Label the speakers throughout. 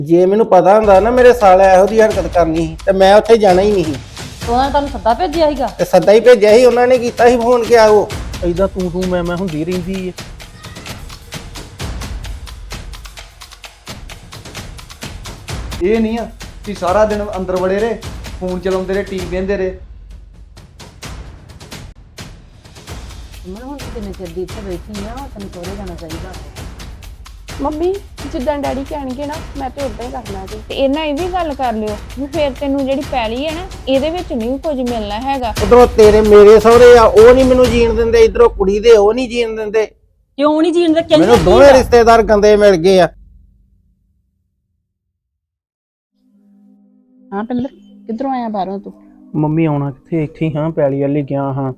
Speaker 1: ਜੇ ਮੈਨੂੰ ਪਤਾ ਹੁੰਦਾ ਨਾ ਮੇਰੇ ਸਾਲੇ ਇਹੋ ਜਿਹੀ ਹਰਕਤ ਕਰਨੀ ਸੀ ਤੇ ਮੈਂ ਉੱਥੇ ਜਾਣਾ ਹੀ ਨਹੀਂ ਸੀ।
Speaker 2: ਉਹਨਾਂ ਨੇ ਤੁਹਾਨੂੰ ਸੱਦਾ ਭੇਜਿਆ ਸੀਗਾ?
Speaker 1: ਤੇ ਸੱਦਾ ਹੀ ਭੇਜਿਆ ਸੀ, ਉਹਨਾਂ ਨੇ ਕੀਤਾ ਸੀ ਫੋਨ ਕਿ ਆਓ।
Speaker 3: ਏਦਾਂ ਤੂੰ ਮੈਂ ਹੁੰਦੀ ਰਹਿੰਦੀ ਏ।
Speaker 4: ਇਹ ਨਹੀਂ ਆ ਕਿ ਸਾਰਾ ਦਿਨ ਅੰਦਰ ਵੜੇ ਰਹੇ, ਫੋਨ ਚਲਾਉਂਦੇ ਰਹੇ, ਟੀਵੀ ਵੇਖਦੇ ਰਹੇ।
Speaker 2: ਮੈਂ ਹੁਣ ਕਿੰਨੇ ਚਿਰ ਦੀ ਇੱਥੇ ਬੈਠੀ ਆ, ਤੈਨੂੰ ਸਹੁਰੇ ਜਾਣਾ ਚਾਹੀਦਾ।
Speaker 5: ਮੰਮੀ ਜਿੱਦਾਂ ਡੈਡੀ ਕਹਿਣਗੇ ਨਾ ਮੈਂ ਤੇ ਉਦਾਂ ਹੀ ਕਰਨਾ ਜੀ।
Speaker 6: ਤੇ ਇਹਨਾਂ ਇਹ ਵੀ ਗੱਲ ਕਰ ਲਿਓ ਵੀ ਫਿਰ ਤੈਨੂੰ ਜਿਹੜੀ ਪੈਲੀ ਹੈ ਨਾ ਇਹਦੇ ਵਿੱਚ ਨਹੀਂ ਕੁਝ ਮਿਲਣਾ ਹੈਗਾ।
Speaker 1: ਉਧਰੋਂ ਤੇਰੇ ਮੇਰੇ ਸਹੁਰੇ ਆ, ਉਹ ਨਹੀਂ ਮੈਨੂੰ ਜੀਣ ਦਿੰਦੇ, ਇਧਰੋਂ ਕੁੜੀ ਦੇ ਉਹ ਨਹੀਂ ਜੀਣ ਦਿੰਦੇ।
Speaker 2: ਕਿਉਂ ਨਹੀਂ ਜੀਣ ਦੇ?
Speaker 1: ਮੈਨੂੰ ਦੋਵੇਂ ਰਿਸ਼ਤੇਦਾਰ ਗੰਦੇ ਮਿਲ ਗਏ ਆ।
Speaker 7: ਹਾਂ ਪਿੰਦਰ, ਕਿੱਧਰੋਂ ਆਇਆ ਬਾਹਰੋਂ ਤੂੰ?
Speaker 3: ਮੰਮੀ ਆਉਣਾ ਕਿੱਥੇ, ਇੱਥੇ ਹੀ ਹਾਂ, ਪੈਲੀ ਵਾਲੀ ਗਿਆ ਹਾਂ।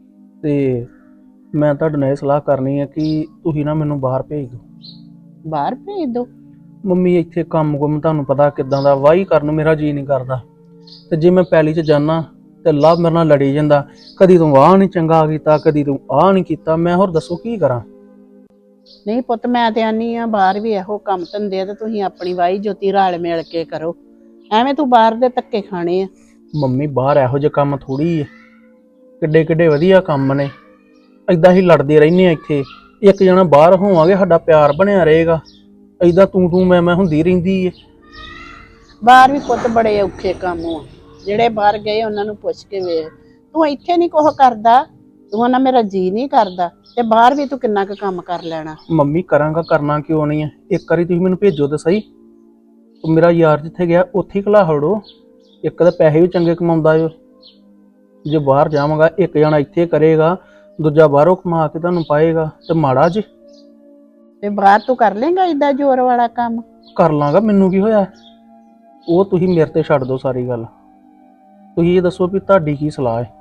Speaker 3: ਤੇ ਮੈਂ ਤੁਹਾਡੇ ਨਾਲ ਇਹ ਸਲਾਹ ਕਰਨੀ ਹੈ ਕਿ ਤੁਸੀਂ ਨਾ ਮੈਨੂੰ ਬਾਹਰ ਭੇਜ ਦਿਓ।
Speaker 7: ਬਾਹਰ ਭੇਜ ਦੋ?
Speaker 3: ਮੰਮੀ ਇੱਥੇ ਕੰਮ ਤੁਹਾਨੂੰ ਪਤਾ ਕਿੱਦਾਂ ਦਾ, ਵਾਹੀ ਕਰਨ ਨੂੰ ਮੇਰਾ ਜੀ ਨਹੀਂ ਕਰਦਾ। ਤੇ ਜੇ ਮੈਂ ਪੈਲੀ 'ਚ ਜਾਣਾ ਤੇ ਲਵ ਮੇਰੇ ਨਾਲ ਲੜੀ ਜਾਂਦਾ, ਕਦੀ ਤੂੰ ਆਹ ਨਹੀਂ ਚੰਗਾ ਕੀਤਾ, ਕਦੀ ਤੂੰ ਆਹ ਨਹੀਂ ਕੀਤਾ। ਮੈਂ ਹੋਰ ਦੱਸੋ ਕੀ ਕਰਾਂ?
Speaker 7: ਨਹੀਂ ਪੁੱਤ, ਮੈਂ ਤੇ ਆਨੀ ਆ ਬਾਹਰ ਵੀ ਇਹੋ ਕੰਮ ਧੰਦੇ ਆ ਤੇ ਤੁਸੀਂ ਆਪਣੀ ਵਾਈ ਜੋਤੀ ਰਲ ਮਿਲ ਕੇ ਕਰੋ। ਐਵੇਂ ਤੂੰ ਬਾਹਰ ਦੇ ਧੱਕੇ ਖਾਣੇ ਆ।
Speaker 3: ਮੰਮੀ ਬਾਹਰ ਇਹੋ ਜਿਹੇ ਕੰਮ ਥੋੜੀ ਏ, ਕਿੱਡੇ ਕਿੱਡੇ ਵਧੀਆ ਕੰਮ ਨੇ। ਏਦਾਂ ਹੀ ਲੜਦੇ ਰਹਿੰਦੇ ਆ ਇੱਥੇ, ਇੱਕ ਜਣਾ ਬਾਹਰ ਹੋਵਾਂਗੇ ਸਾਡਾ ਪਿਆਰ ਬਣਿਆ ਰਹੇਗਾ। ਏਦਾਂ ਤੂੰ ਮੈਂ ਹੁੰਦੀ ਰਹਿੰਦੀ ਏ।
Speaker 7: ਬਾਹਰ ਵੀ ਪੁੱਤ ਬੜੇ ਔਖੇ ਕੰਮ ਆ, ਜਿਹੜੇ ਬਾਹਰ ਗਏ ਉਹਨਾਂ ਨੂੰ ਪੁੱਛ ਕੇ ਵੇਖ। ਤੂੰ ਇੱਥੇ ਨਹੀਂ ਕੁਛ ਕਰਦਾ, ਤੂੰ ਨਾ ਮੇਰਾ ਜੀ ਨਹੀਂ ਕਰਦਾ, ਤੇ ਬਾਹਰ ਵੀ ਤੂੰ ਕਿੰਨਾ ਕੁ ਕੰਮ ਕਰ ਲੈਣਾ।
Speaker 3: ਮੰਮੀ ਕਰਾਂਗਾ, ਕਰਨਾ ਕਿਉਂ ਨਹੀਂ ਹੈ। ਇੱਕ ਵਾਰੀ ਤੁਸੀਂ ਮੈਨੂੰ ਭੇਜੋ ਤਾਂ ਸਹੀ। ਮੇਰਾ ਯਾਰ ਜਿੱਥੇ ਗਿਆ ਉੱਥੇ ਹੀ ਘਲਾ ਹੜੋ। ਇੱਕ ਤਾਂ ਪੈਸੇ ਵੀ ਚੰਗੇ ਕਮਾਉਂਦਾ ਏ, ਜੇ ਬਾਹਰ ਜਾਵਾਂਗਾ ਇੱਕ ਜਣਾ ਇੱਥੇ ਕਰੇਗਾ, ਦੂਜਾ ਬਾਹਰੋਂ ਕਮਾ ਕੇ ਤੁਹਾਨੂੰ ਪਾਏਗਾ, ਤੇ ਮਾੜਾ ਜੀ
Speaker 7: ਤੇ ਬਾਹਰ ਤੂੰ ਕਰ ਲੇਗਾ ਏਦਾਂ ਜ਼ੋਰ ਵਾਲਾ ਕੰਮ?
Speaker 3: ਕਰ ਲਾਂਗਾ, ਮੈਨੂੰ ਕੀ ਹੋਇਆ। ਉਹ ਤੁਸੀਂ ਮੇਰੇ ਤੇ ਛੱਡ ਦਿਓ ਸਾਰੀ ਗੱਲ। ਤੁਸੀਂ ਇਹ ਦੱਸੋ ਵੀ ਤੁਹਾਡੀ ਕੀ ਸਲਾਹ ਹੈ?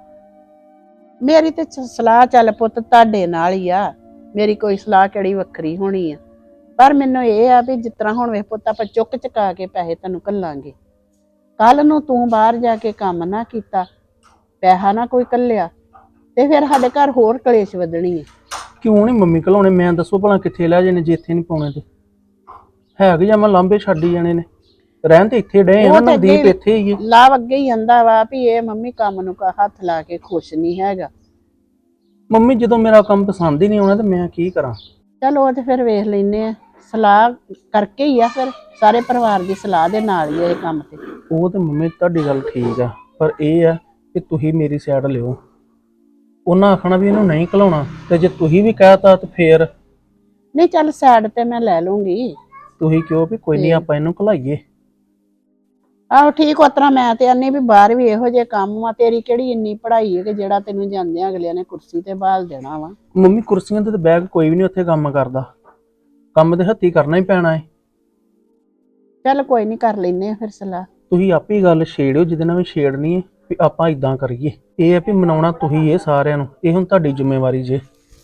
Speaker 7: ਮੇਰੀ ਤੇ ਸਲਾਹ ਚੱਲ ਪੁੱਤ ਤੁਹਾਡੇ ਨਾਲ ਹੀ ਆ, ਮੇਰੀ ਕੋਈ ਸਲਾਹ ਕਿਹੜੀ ਵੱਖਰੀ ਹੋਣੀ ਆ। ਪਰ ਮੈਨੂੰ ਇਹ ਆ ਵੀ ਜਿਸ ਤਰ੍ਹਾਂ ਹੁਣ ਵੇਖ ਪੁੱਤ, ਆਪਾਂ ਚੁੱਕ ਚੁਕਾ ਕੇ ਪੈਸੇ ਤੈਨੂੰ ਘੱਲਾਂਗੇ। ਕੱਲ ਨੂੰ ਤੂੰ ਬਾਹਰ ਜਾ ਕੇ ਕੰਮ ਨਾ ਕੀਤਾ, ਪੈਸਾ ਨਾ ਕੋਈ ਘੱਲਿਆ, ਤੇ ਫਿਰ ਸਾਡੇ ਘਰ ਹੋਰ ਕਲੇਸ਼ ਵਧਣੀ ਹੈ।
Speaker 3: ਕਿਉਂ ਨਹੀਂ ਮੰਮੀ ਘਲਾਉਣੇ? ਮੈਂ ਦੱਸੋ ਭਲਾ ਕਿੱਥੇ ਲੈ ਜਾਣੇ ਜੇ ਇੱਥੇ ਨਹੀਂ ਪਾਉਣੇ? ਤੇ ਹੈਗੇ ਜਾਂ ਮੈਂ ਲਾਂਬੇ ਛੱਡ ਹੀ ਜਾਣੇ ਨੇ। ਰਹਿਣ ਤੇ ਇੱਥੇ ਡੇ ਆ, ਨਵਦੀਪ ਇੱਥੇ ਹੀ ਹੈ।
Speaker 7: ਲਾਭ ਅੱਗੇ ਹੀ ਆਂਦਾ ਵਾ ਵੀ ਇਹ ਮੰਮੀ ਕੰਮ ਨੂੰ ਹੱਥ ਲਾ ਕੇ ਖੁਸ਼ ਨਹੀਂ ਹੈਗਾ।
Speaker 3: ਮੰਮੀ ਜਦੋਂ ਮੇਰਾ ਕੰਮ ਪਸੰਦ ਹੀ ਨਹੀਂ ਆਉਣਾ ਤੇ ਮੈਂ ਕੀ ਕਰਾਂ?
Speaker 7: ਚਲੋ ਉਹ ਤੇ ਫਿਰ ਵੇਖ ਲੈਨੇ ਆ, ਸਲਾਹ ਕਰਕੇ ਹੀ ਆ, ਫਿਰ ਸਾਰੇ ਪਰਿਵਾਰ ਦੀ ਸਲਾਹ ਦੇ ਨਾਲ ਹੀ ਇਹ ਕੰਮ ਤੇ।
Speaker 3: ਉਹ ਤੇ ਮੰਮੀ ਤੁਹਾਡੀ ਗੱਲ ਠੀਕ ਆ, ਪਰ ਇਹ ਆ ਕਿ ਤੁਸੀਂ ਮੇਰੀ ਸਾਈਡ ਲਿਓ। ਉਹਨਾਂ ਆਖਣਾ ਵੀ ਇਹਨੂੰ ਨਹੀਂ ਘਲਾਉਣਾ, ਤੇ ਜੇ ਤੁਸੀਂ ਵੀ ਕਹਿਤਾ ਤੇ ਫੇਰ
Speaker 7: ਨਹੀਂ ਚੱਲ ਸਾਈਡ ਤੇ ਮੈਂ ਲੈ ਲੂੰਗੀ।
Speaker 3: ਤੁਸੀਂ ਕਿਉਂ ਵੀ ਕੋਈ ਨਹੀਂ ਆਪਾਂ ਇਹਨੂੰ ਘਲਾਈਏ।
Speaker 7: ਆਹੋ ਠੀਕ, ਉਤਰਾ ਮੈਂ ਤੇ ਆਨੀ ਵੀ ਬਾਹਰ ਵੀ ਇਹੋ ਜਿਹੇ ਕੰਮ ਆ। ਤੇਰੀ ਕਿਹੜੀ ਇੰਨੀ ਪੜ੍ਹਾਈ ਹੈ ਕਿ ਜਿਹੜਾ ਤੈਨੂੰ ਜਾਂਦਿਆਂ ਅਗਲਿਆਂ ਨੇ ਕੁਰਸੀ ਤੇ ਬਾਲ ਦੇਣਾ ਵਾ?
Speaker 3: ਮੰਮੀ ਕੁਰਸੀਆਂ ਤੇ ਬੈਗ ਕੋਈ ਵੀ ਨਹੀਂ ਉੱਥੇ ਕੰਮ ਕਰਦਾ, ਕੰਮ ਤੇ ਹੱਥੀਂ ਕਰਨਾ ਹੀ ਪੈਣਾ ਹੈ।
Speaker 7: ਚੱਲ ਕੋਈ ਨਹੀਂ, ਕਰ ਲੈਨੇ ਆ ਫਿਰ ਸਲਾਹ।
Speaker 3: ਤੁਸੀਂ ਆਪੇ ਹੀ ਗੱਲ ਛੇੜਿਓ ਜਿਹਦੇ ਨਾਲ ਵੀ ਛੇੜਨੀ ਹੈ, ਵੀ ਆਪਾਂ ਇਦਾਂ ਕਰੀਏ। ਇਹ ਹੈ ਵੀ ਮਨਾਉਣਾ ਤੁਸੀਂ ਇਹ ਸਾਰਿਆਂ ਨੂੰ, ਇਹ ਹੁਣ ਤੁਹਾਡੀ ਜ਼ਿੰਮੇਵਾਰੀ ਜੇ।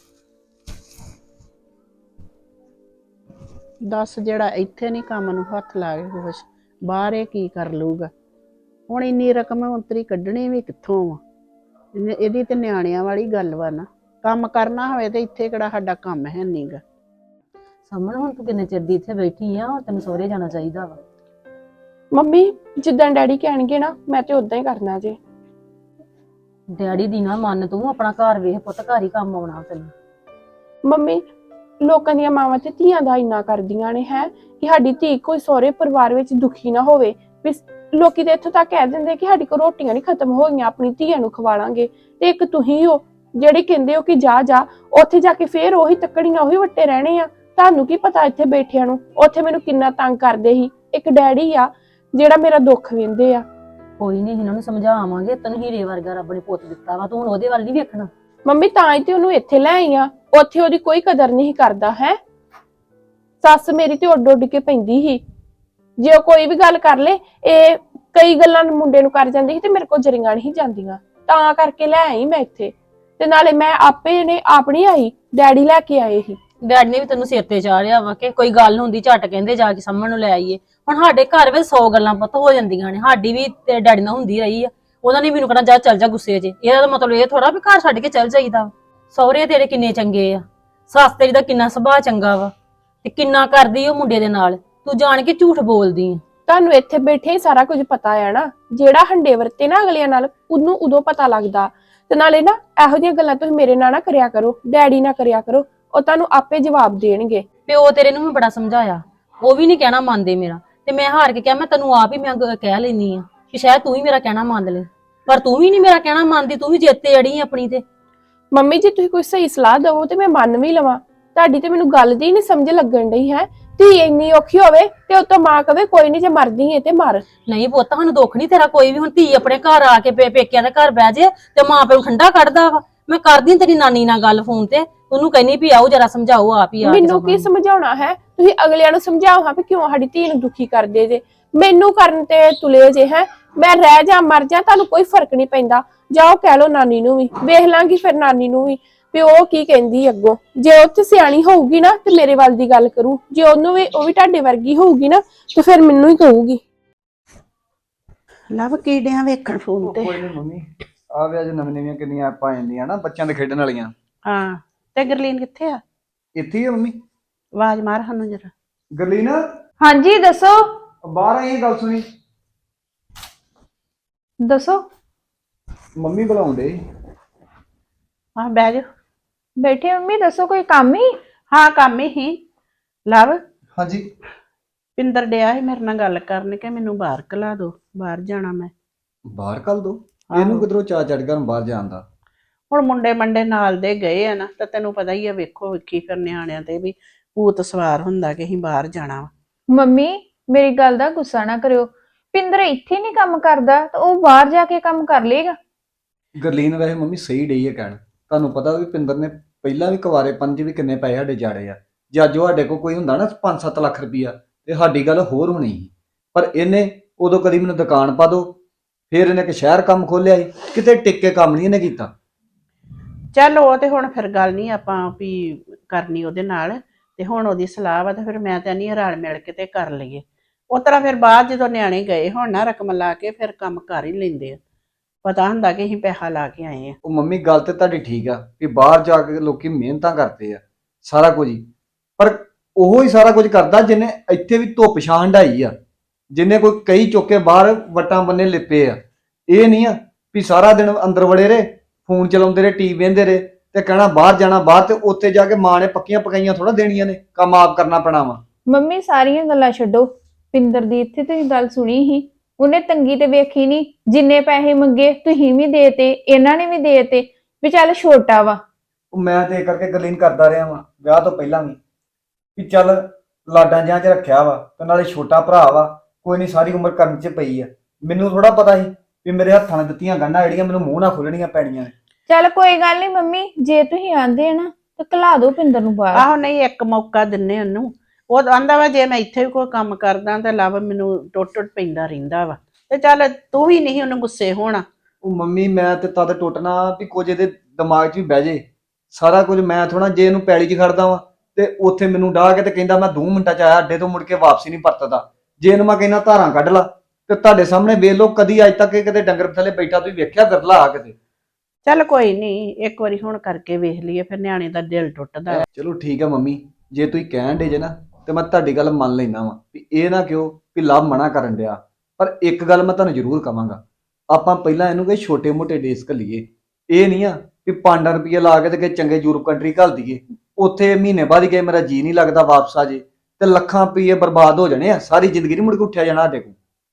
Speaker 7: ਦੱਸ, ਜਿਹੜਾ ਇੱਥੇ ਨਹੀਂ ਕੰਮ ਨੂੰ ਹੱਥ ਲਾ ਕੇ ਖੁਸ਼, ਬਾਹਰ ਇਹ ਕੀ ਕਰ ਲੂਗਾ? ਹੁਣ ਇੰਨੀ ਰਕਮ ਉਤਰੀ ਕੱਢਣੀ ਵੀ ਕਿੱਥੋਂ ਵਾ? ਇਹਦੀ ਤੇ ਨਿਆਣਿਆਂ ਵਾਲੀ ਗੱਲ ਵਾ ਨਾ। ਕੰਮ ਕਰਨਾ ਹੋਵੇ ਤੇ ਇੱਥੇ ਕਿਹੜਾ ਸਾਡਾ ਕੰਮ ਹੈ ਨਹੀਂਗਾ।
Speaker 2: ਸਮਣ ਹੁਣ ਤੂੰ ਕਿੰਨੇ ਚਿਰ ਦੀ ਇੱਥੇ ਬੈਠੀ ਆ, ਤੈਨੂੰ ਸਹੁਰੇ ਜਾਣਾ ਚਾਹੀਦਾ ਵਾ।
Speaker 5: ਮੰਮੀ ਜਿੱਦਾਂ ਡੈਡੀ ਕਹਿਣਗੇ ਨਾ ਮੈਂ ਤੇ ਉਦਾਂ ਹੀ ਕਰਨਾ ਜੀ।
Speaker 2: ਡੈਡੀ ਦੀ ਨਾ ਮੰਨ, ਤੂੰ ਆਪਣਾ ਘਰ ਵੇਖ ਪੁੱਤ, ਘਰ ਹੀ ਕੰਮ ਆਉਣਾ ਤੈਨੂੰ।
Speaker 5: ਮੰਮੀ ਲੋਕਾਂ ਦੀਆਂ ਮਾਵਾਂ ਤੇ ਧੀਆਂ ਦਾ ਇੰਨਾ ਕਰਦੀਆਂ ਨੇ ਹੈ ਕਿ ਸਾਡੀ ਧੀ ਕੋਈ ਸਹੁਰੇ ਪਰਿਵਾਰ ਵਿੱਚ ਦੁਖੀ ਨਾ ਹੋਵੇ। ਵੀ ਲੋਕੀ ਤੇ ਇੱਥੋਂ ਤੱਕ ਕਹਿ ਦਿੰਦੇ ਕਿ ਸਾਡੀ ਕੋਲ ਰੋਟੀਆਂ ਨਹੀਂ ਖਤਮ ਹੋਈਆਂ, ਆਪਣੀ ਧੀਆਂ ਨੂੰ ਖਵਾਲਾਂਗੇ। ਤੇ ਇੱਕ ਤੁਸੀਂ ਹੋ ਜਿਹੜੇ ਕਹਿੰਦੇ ਹੋ ਕਿ ਜਾ ਉੱਥੇ ਜਾ ਕੇ ਫੇਰ ਉਹੀ ਤੱਕੜੀਆਂ ਉਹੀ ਵੱਟੇ ਰਹਿਣੇ ਆ। ਤੁਹਾਨੂੰ ਕੀ ਪਤਾ ਇੱਥੇ ਬੈਠਿਆਂ ਨੂੰ ਉੱਥੇ ਮੈਨੂੰ ਕਿੰਨਾ ਤੰਗ ਕਰਦੇ ਸੀ। ਇੱਕ ਡੈਡੀ ਆ ਜਿਹੜਾ ਮੇਰਾ ਦੁੱਖ ਵਹਿੰਦੇ ਆ।
Speaker 2: ਕੋਈ ਨਹੀਂ, ਇਹਨਾਂ ਨੂੰ ਸਮਝਾਵਾਂਗੇ। ਤੈਨੂੰ ਹੀਰੇ ਵਰਗਾ ਰੱਬ ਨੇ ਪੁੱਤ ਦਿੱਤਾ ਵਾ, ਤੂੰ ਹੁਣ ਉਹਦੇ ਵੱਲ ਨਹੀਂ ਵੇਖਣਾ।
Speaker 5: ਮੰਮੀ ਤਾਂ ਹੀ ਤੇ ਉਹਨੂੰ ਇੱਥੇ ਲੈ ਆਈ ਆ, ਉੱਥੇ ਉਹਦੀ ਕੋਈ ਕਦਰ ਨਹੀਂ ਕਰਦਾ ਹੈ। ਸੱਸ ਮੇਰੀ ਤੇ ਉੱਡ ਉੱਡ ਕੇ ਪੈਂਦੀ ਸੀ, ਜੇ ਉਹ ਕੋਈ ਵੀ ਗੱਲ ਕਰ ਲੇ, ਇਹ ਕਈ ਗੱਲਾਂ ਮੁੰਡੇ ਨੂੰ ਕਰ ਜਾਂਦੀ ਸੀ ਤੇ ਮੇਰੇ ਕੋਲ ਜਰੀਆਂ ਨਹੀਂ ਜਾਂਦੀਆਂ, ਤਾਂ ਕਰਕੇ ਲੈ ਆਈ ਮੈਂ ਇੱਥੇ। ਤੇ ਨਾਲੇ ਮੈਂ ਆਪੇ ਨੇ ਆਪਣੀ ਆਈ, ਡੈਡੀ ਲੈ ਕੇ ਆਏ ਸੀ।
Speaker 2: ਡੈਡੀ ਨੇ ਵੀ ਤੈਨੂੰ ਸਿਰ ਤੇ ਚਾੜਿਆ ਵਾ ਕਿ ਕੋਈ ਗੱਲ ਹੁੰਦੀ ਝੱਟ ਕਹਿੰਦੇ ਜਾ ਕੇ ਸਾਹਮਣੇ ਨੂੰ ਲੈ ਆਈਏ। ਹੁਣ ਸਾਡੇ ਘਰ ਵਿੱਚ 100 ਗੱਲਾਂ ਪੁੱਤ ਹੋ ਜਾਂਦੀਆਂ ਨੇ, ਸਾਡੀ ਵੀ ਤੇ ਡੈਡੀ ਨਾਲ ਹੁੰਦੀ ਰਹੀ ਆ। ਉਹਨਾਂ ਨੇ ਮੈਨੂੰ ਕਹਿਣਾ ਚੱਲ ਜਾ ਗੁੱਸੇ 'ਚ। ਇਹਦਾ ਮਤਲਬ ਇਹ ਥੋੜਾ ਵੀ ਘਰ ਛੱਡ ਕੇ ਚੱਲ ਜਾਈਦਾ। ਸਹੁਰੇ ਤੇਰੇ ਕਿੰਨੇ ਚੰਗੇ ਆ, ਸੱਸ ਤੇਰੀ ਦਾ ਕਿੰਨਾ ਸੁਭਾਅ ਚੰਗਾ ਵਾ, ਤੇ ਕਿੰਨਾ ਕਰਦੀ ਉਹ ਮੁੰਡੇ ਦੇ ਨਾਲ। ਤੂੰ ਜਾਣ ਕੇ ਝੂਠ ਬੋਲਦੀ ਆ।
Speaker 5: ਤੁਹਾਨੂੰ ਇੱਥੇ ਬੈਠੇ ਹੀ ਸਾਰਾ ਕੁਝ ਪਤਾ ਆ ਨਾ, ਜਿਹੜਾ ਹੰਡੇ ਵਰਤੇ ਨਾ ਅਗਲਿਆਂ ਨਾਲ ਉਹਨੂੰ ਉਦੋਂ ਪਤਾ ਲੱਗਦਾ। ਤੇ ਨਾਲੇ ਨਾ ਇਹੋ ਜਿਹੀਆਂ ਗੱਲਾਂ ਤੁਸੀਂ ਮੇਰੇ ਨਾਲ ਨਾ ਕਰਿਆ ਕਰੋ, ਡੈਡੀ ਨਾਲ ਕਰਿਆ ਕਰੋ, ਉਹ ਤੁਹਾਨੂੰ ਆਪੇ ਜਵਾਬ ਦੇਣਗੇ।
Speaker 2: ਪਿਓ ਤੇਰੇ ਨੂੰ ਮੈਂ ਬੜਾ ਸਮਝਾਇਆ, ਉਹ ਵੀ ਨਹੀਂ ਕਹਿਣਾ ਮੰਨਦੇ ਮੇਰਾ, ਤੇ ਮੈਂ ਹਾਰ ਕੇ ਕਿਹਾ ਮੈਂ ਤੈਨੂੰ ਆਪ ਹੀ ਮੈਂ ਕਹਿ ਲੈਨੀ ਆ ਕਿ ਸ਼ਾਇਦ ਤੂੰ ਹੀ ਮੇਰਾ ਕਹਿਣਾ ਮੰਨ ਲੈ, ਪਰ ਤੂੰ ਵੀ ਨਹੀਂ ਮੇਰਾ ਕਹਿਣਾ ਮੰਨਦੀ, ਤੂੰ ਵੀ ਜਿੱਤੇ ਅੜੀ ਆਪਣੀ ਤੇ।
Speaker 5: ਮੰਮੀ ਜੀ ਤੁਸੀਂ ਕੋਈ ਸਹੀ ਸਲਾਹ ਦਵੋ ਤੇ ਮੈਂ ਮੰਨ ਵੀ ਲਵਾਂ, ਤੁਹਾਡੀ ਤੇ ਮੈਨੂੰ ਗੱਲ ਦੀ ਨਹੀਂ ਸਮਝ ਲੱਗਣ ਡਈ ਹੈ। ਧੀ ਇੰਨੀ ਔਖੀ ਹੋਵੇ ਤੇ ਉਤੋਂ ਮਾਂ ਕਵੇ ਕੋਈ ਨਹੀਂ ਜੇ ਮਰਦੀ ਏ ਤੇ ਮਰ।
Speaker 2: ਨਹੀਂ ਪੁੱਤ ਸਾਨੂੰ ਦੁੱਖ ਨਹੀਂ ਤੇਰਾ ਕੋਈ ਵੀ, ਹੁਣ ਧੀ ਆਪਣੇ ਘਰ ਆ ਕੇ ਪੇਕਿਆਂ ਦੇ ਘਰ ਬਹਿ ਜੇ ਤੇ ਮਾਂ ਪਿਓ ਨੂੰ ਠੰਡਾ ਕੱਢਦਾ ਵਾ। ਮੈਂ ਕਰਦੀ ਤੇਰੀ ਨਾਨੀ ਨਾਲ ਗੱਲ ਫੋਨ ਤੇ, ਉਹਨੂੰ ਕਹਿੰਨੀ ਵੀ ਆਓ ਜਰਾ ਸਮਝਾਓ ਆਪ ਹੀ ਆ ਕੇ।
Speaker 5: ਮੈਨੂੰ ਕੀ ਸਮਝਾਉਣਾ ਹੈ, ਤੁਸੀਂ ਅਗਲਿਆਂ ਨੂੰ ਸਮਝਾਓ ਹਾਂ ਵੀ ਕਿਉਂ ਸਾਡੀ ਧੀ ਨੂੰ ਦੁਖੀ ਕਰਦੇ ਜੇ, ਮੈਨੂੰ ਕਰਨ ਤੇ ਤੁਲੇ ਜੇ ਹੈ। ਮੈਂ ਰਹਿ ਜਾ ਮਰ ਜਾ ਤੁਹਾਨੂੰ ਕੋਈ ਫਰਕ ਨਹੀਂ ਪੈਂਦਾ, ਜਾਓ ਕਹਿ ਲੋ ਨਾਨੀ ਨੂੰ ਵੀ, ਵੇਖ ਲਾਂਗੀ ਫਿਰ ਨਾਨੀ ਨੂੰ ਵੀ ਉਹ ਕੀ ਕਹਿੰਦੀ ਅੱਗੋਂ। ਜੇ ਉਹ ਤੇ ਸਿਆਣੀ ਹੋਊਗੀ ਨਾ ਤੇ ਮੇਰੇ ਵੱਲ ਦੀ ਗੱਲ ਕਰੂ, ਜੇ ਉਹਨੂੰ ਵੀ ਉਹ ਵੀ ਤੁਹਾਡੇ ਵਰਗੀ ਹੋਊਗੀ ਨਾ ਤੇ ਫਿਰ ਮੈਨੂੰ ਹੀ ਕਹੂਗੀ।
Speaker 7: ਲਵ ਕੀੜਿਆਂ ਵੇਖਣ ਫੋਨ ਤੇ।
Speaker 4: ਕੋਈ ਨਹੀਂ ਮੰਮੀ, ਆ ਵੀ ਅੱਜ ਨਵੀਆਂ ਕਿੰਨੀਆਂ ਐਪਾਂ ਆ ਜਾਂਦੀਆਂ ਨਾ ਬੱਚਿਆਂ ਦੇ ਖੇਡਣ ਵਾਲੀਆਂ।
Speaker 7: ਹਾਂ ਤੇ ਗਰਲੀਨ ਕਿੱਥੇ ਆ?
Speaker 4: ਇੱਥੇ ਹੀ ਆ ਮੰਮੀ।
Speaker 7: ਆਵਾਜ਼ ਮਾਰ ਸਾਨੂੰ ਜਰਾ।
Speaker 4: ਗਰਲੀਨ
Speaker 6: ਹਾਂਜੀ ਦੱਸੋ।
Speaker 4: ਬਾਹਰ ਆਈ ਗੱਲ ਸੁਣੀ।
Speaker 6: ਦੱਸੋ।
Speaker 4: ਮੰਮੀ ਬੁਲਾਉਂਦੇ।
Speaker 7: ਹਾਂ ਬਹਿ ਜਾ।
Speaker 6: ਬੈਠੇ ਮੰਮੀ, ਦੱਸੋ ਕੋਈ ਕੰਮ ਹੀ?
Speaker 7: ਹਾਂ ਕੰਮ ਹੀ ਲਵ।
Speaker 4: ਹਾਂਜੀ।
Speaker 7: ਪਿੰਦਰ ਡਿਆ ਸੀ ਮੇਰੇ ਨਾਲ ਗੱਲ ਕਰਨ ਕਿ ਮੈਨੂੰ ਬਾਹਰ ਕਲਾ ਦੋ, ਬਾਹਰ ਜਾਣਾ ਮੈਂ।
Speaker 4: ਬਾਹਰ ਕੱਲ ਦੋ? ਇਹਨੂੰ ਕਿਧਰੋਂ ਚਾ ਚੜ ਗਿਆ ਬਾਹਰ ਜਾਣ ਦਾ?
Speaker 7: ਹੁਣ ਮੁੰਡੇ ਮੰਡੇ ਨਾਲ ਦੇ ਗਏ ਆ ਨਾ, ਤਾਂ ਤੈਨੂੰ ਪਤਾ ਹੀ ਆ, ਵੇਖੋ ਵੇਖੀ ਫਿਰ ਨਿਆਣਿਆਂ ਤੇ ਵੀ ਭੂਤ ਸਵਾਰ ਹੁੰਦਾ ਕਿ ਅਸੀਂ ਬਾਹਰ ਜਾਣਾ ਵਾ।
Speaker 6: ਮੰਮੀ ਮੇਰੀ ਗੱਲ ਦਾ ਗੁੱਸਾ ਨਾ ਕਰਿਓ, ਪਿੰਦਰ ਇੱਥੇ ਨਹੀਂ ਕੰਮ ਕਰਦਾ ਤਾਂ ਉਹ ਬਾਹਰ ਜਾ ਕੇ ਕੰਮ ਕਰ ਲੇਗਾ।
Speaker 4: ਗਰਲੀਨ ਵੈਸੇ ਮੰਮੀ ਸਹੀ ਡਈ ਹੈ ਕਹਿਣ। ਤੁਹਾਨੂੰ ਪਤਾ ਵੀ ਪਿੰਦਰ ਨੇ ਪਹਿਲਾਂ ਵੀ ਕੁਵਾਰੇ ਪੰਜ ਵੀ ਕਿੰਨੇ ਪੈਸੇ ਸਾਡੇ ਜਾੜੇ ਆ। ਜੇ ਅੱਜ ਸਾਡੇ ਕੋਲ ਕੋਈ ਹੁੰਦਾ ਨਾ 5-7 ਲੱਖ ਰੁਪਈਆ ਤੇ ਸਾਡੀ ਗੱਲ ਹੋਰ ਹੋਣੀ ਸੀ। ਪਰ ਇਹਨੇ ਉਦੋਂ ਕਦੀ ਮੈਨੂੰ ਦੁਕਾਨ ਪਾ ਦੋ, ਫਿਰ ਇਹਨੇ ਇੱਕ ਸ਼ਹਿਰ ਕੰਮ ਖੋਲਿਆ ਸੀ, ਕਿਤੇ ਟਿੱਕ ਕੇ ਕੰਮ ਨਹੀਂ ਇਹਨੇ ਕੀਤਾ।
Speaker 7: ਚੱਲ ਉਹ ਤੇ ਹੁਣ ਫਿਰ ਗੱਲ ਨਹੀਂ ਆਪਾਂ ਵੀ ਕਰਨੀ ਉਹਦੇ ਨਾਲ, ਤੇ ਹੁਣ ਉਹਦੀ ਸਲਾਹ ਵਾ ਤੇ ਫਿਰ ਮੈਂ ਤਾਂ ਨਹੀਂ ਰਲ ਮਿਲ ਕੇ ਤੇ ਕਰ ਲਈਏ। ਉਸ ਤਰ੍ਹਾਂ ਫਿਰ ਬਾਅਦ ਜਦੋਂ ਨਿਆਣੇ ਗਏ ਹੁਣ ਨਾ ਰਕਮ ਲਾ ਕੇ ਫਿਰ ਕੰਮ ਕਰ ਹੀ ਲੈਂਦੇ ਆ, ਪਤਾ ਹੁੰਦਾ ਕਿ ਅਸੀਂ ਪੈਸਾ ਲਾ ਕੇ ਆਏ ਆ।
Speaker 4: ਉਹ ਮੰਮੀ ਗੱਲ ਤੇ ਤੁਹਾਡੀ ਠੀਕ ਆ ਕਿ ਬਾਹਰ ਜਾ ਕੇ ਲੋਕੀ ਮਿਹਨਤਾਂ ਕਰਦੇ ਆ ਸਾਰਾ ਕੁਝ ਹੀ, ਪਰ ਉਹੋ ਹੀ ਸਾਰਾ ਕੁਝ ਕਰਦਾ ਜਿਹਨੇ ਇੱਥੇ ਵੀ ਧੁੱਪ ਛਾਂ ਹੰਢਾਈ ਆ, ਜਿਹਨੇ ਕੋਈ ਕਈ ਚੁੱਕੇ ਬਾਹਰ ਵਟਾਂ ਬੰਨੇ ਲਿਪੇ ਆ। ਇਹ ਨਹੀਂ ਆ ਵੀ ਸਾਰਾ ਦਿਨ ਅੰਦਰ ਵੜੇ ਰਹੇ, ਫੋਨ ਚਲਾਉਂਦੇ ਰਹੇ, ਟੀਵੀ ਵੇਖਦੇ ਰਹੇ ਤੇ ਕਹਿਣਾ ਬਾਹਰ ਜਾਣਾ ਬਾਹਰ, ਤੇ ਉੱਥੇ ਜਾ ਕੇ ਮਾਂ ਨੇ ਪੱਕੀਆਂ ਪਕਾਈਆਂ ਥੋੜਾ ਦੇਣੀਆਂ ਨੇ, ਕੰਮ ਆਪ ਕਰਨਾ ਪੈਣਾ ਵਾ।
Speaker 6: ਮੰਮੀ ਸਾਰੀਆਂ ਗੱਲਾਂ ਛੱਡੋ, ਪਿੰਦਰ ਦੀ ਇੱਥੇ ਤੁਸੀਂ ਗੱਲ ਸੁਣੀ ਸੀ, ਉਹਨੇ ਤੰਗੀ ਤੇ ਵੇਖੀ ਨਹੀਂ, ਜਿੰਨੇ ਪੈਸੇ ਮੰਗੇ ਤੁਸੀਂ ਵੀ ਦੇਤੇ, ਇਹਨਾਂ ਨੇ ਵੀ ਦੇਤੇ, ਵੀ ਚੱਲ ਛੋਟਾ ਵਾ।
Speaker 4: ਉਹ ਮੈਂ ਤੇ ਇਹ ਕਰਕੇ ਗਰਲੀਨ ਕਰਦਾ ਰਿਹਾ ਵਾਂ ਵਿਆਹ ਤੋਂ ਪਹਿਲਾਂ ਵੀ ਚੱਲ ਲਾਡਾਂ ਜਿਹਾਂ 'ਚ ਰੱਖਿਆ ਵਾ, ਤੇ ਨਾਲੇ ਛੋਟਾ ਭਰਾ ਵਾ, ਕੋਈ ਨਹੀਂ ਸਾਰੀ ਉਮਰ ਕਰਨ 'ਚ ਪਈ ਆ। ਮੈਨੂੰ ਥੋੜਾ ਪਤਾ ਸੀ ਵੀ ਮੇਰੇ ਹੱਥਾਂ ਨਾਲ ਦਿੱਤੀਆਂ ਗੰਢਾਂ ਜਿਹੜੀਆਂ ਮੈਨੂੰ ਮੂੰਹ ਨਾਲ ਖੋਲਣੀਆਂ ਪੈਣੀਆਂ ਨੇ।
Speaker 6: ਚੱਲ ਕੋਈ ਗੱਲ ਨਹੀਂ ਮੰਮੀ, ਜੇ ਤੁਸੀਂ ਆਂਦੇ ਨਾ ਤੇ ਘਲਾ ਦਿਓ ਪਿੰਦਰ ਨੂੰ ਬਾਹਰ।
Speaker 7: ਆਹੋ ਨਹੀਂ ਇੱਕ ਮੌਕਾ ਦਿੰਨੇ ਉਹਨੂੰ, ਉਹ ਆਂਦਾ ਵਾ ਜੇ ਮੈਂ ਇੱਥੇ ਵੀ ਕੋਈ ਕੰਮ ਕਰਦਾ ਤਾਂ ਲਵ ਮੈਨੂੰ ਟੁੱਟ ਪੈਂਦਾ ਰਹਿੰਦਾ ਵਾ, ਤੇ ਚੱਲ ਤੂੰ ਵੀ ਨਹੀਂ ਉਹਨੂੰ ਗੁੱਸੇ ਹੋਣਾ।
Speaker 4: ਉਹ ਮੰਮੀ ਮੈਂ ਤੇ ਤਦ ਟੁੱਟਣਾ ਵੀ ਕੁਝ ਇਹਦੇ ਦਿਮਾਗ 'ਚ ਵੀ ਬਹਿ ਜੇ ਸਾਰਾ ਕੁਝ। ਮੈਂ ਥੋੜਾ ਜੇ ਇਹਨੂੰ ਪੈਲੀ 'ਚ ਖੜਦਾ ਵਾਂ ਤੇ ਉੱਥੇ ਮੈਨੂੰ ਡਾਹ ਕੇ ਤੇ ਕਹਿੰਦਾ ਮੈਂ 2 ਮਿੰਟਾਂ 'ਚ ਆਇਆ, ਅੱਡੇ ਤੋਂ ਮੁੜ ਕੇ ਵਾਪਸੀ ਨਹੀਂ ਪਰਤਦਾ। ਜੇ ਇਹਨੂੰ ਮੈਂ ਕਹਿੰਦਾ ਧਾਰਾਂ ਕੱਢ ਲਾ ਤੇ ਤੁਹਾਡੇ ਸਾਹਮਣੇ ਵੇਖ ਲਓ, ਕਦੀ ਅੱਜ ਤੱਕ ਇਹ ਕਿਤੇ ਡੰਗਰ ਥੱਲੇ ਬੈਠਾ ਤੁਸੀਂ ਵੇਖਿਆ ਬਿਰਲਾ ਆ ਕਿਤੇ?
Speaker 7: ਚੱਲ ਕੋਈ ਨਹੀਂ, ਇੱਕ ਵਾਰੀ ਹੁਣ ਕਰਕੇ ਵੇਖ ਲਈਏ, ਫਿਰ ਨਿਆਣੇ ਦਾ ਦਿਲ ਟੁੱਟਦਾ।
Speaker 4: ਚਲੋ ਠੀਕ ਆ ਮੰਮੀ, ਜੇ ਤੁਸੀਂ ਕਹਿਣ ਡੇ ਜੇ ਨਾ ਤੇ ਮੈਂ ਤੁਹਾਡੀ ਗੱਲ ਮੰਨ ਲੈਣਾ ਵਾ ਵੀ ਇਹ ਨਾ ਕਿਉਂ ਵੀ ਲਵ ਮਨਾ ਕਰਨ ਡਿਆ। ਪਰ ਇੱਕ ਗੱਲ ਮੈਂ ਤੁਹਾਨੂੰ ਜ਼ਰੂਰ ਕਵਾਂਗਾ, ਆਪਾਂ ਪਹਿਲਾਂ ਇਹਨੂੰ ਕੋਈ ਛੋਟੇ-ਮੋਟੇ ਦੇਸ਼ ਘੱਲੀਏ। ਇਹ ਨਹੀਂ ਆ ਵੀ 5 ਰੁਪਏ ਲਾ ਕੇ ਤੇ ਕਿ ਚੰਗੇ ਯੂਰਪ ਕੰਟਰੀ ਘੱਲ ਦਈਏ, ਉੱਥੇ ਮਹੀਨੇ ਬਾਅਦ ਹੀ ਕਹੇ ਮੇਰਾ ਜੀ ਨਹੀਂ ਲੱਗਦਾ ਵਾਪਸ ਆ ਜੇ, ਤੇ ਲੱਖਾਂ ਰੁਪਏ ਬਰਬਾਦ ਹੋ ਜਾਣੇ ਆ, ਸਾਰੀ ਜ਼ਿੰਦਗੀ ਨਹੀਂ ਮੁੜ ਕੇ ਉੱਠਿਆ ਜਾਣਾ ਸਾਡੇ ਕੋਲ।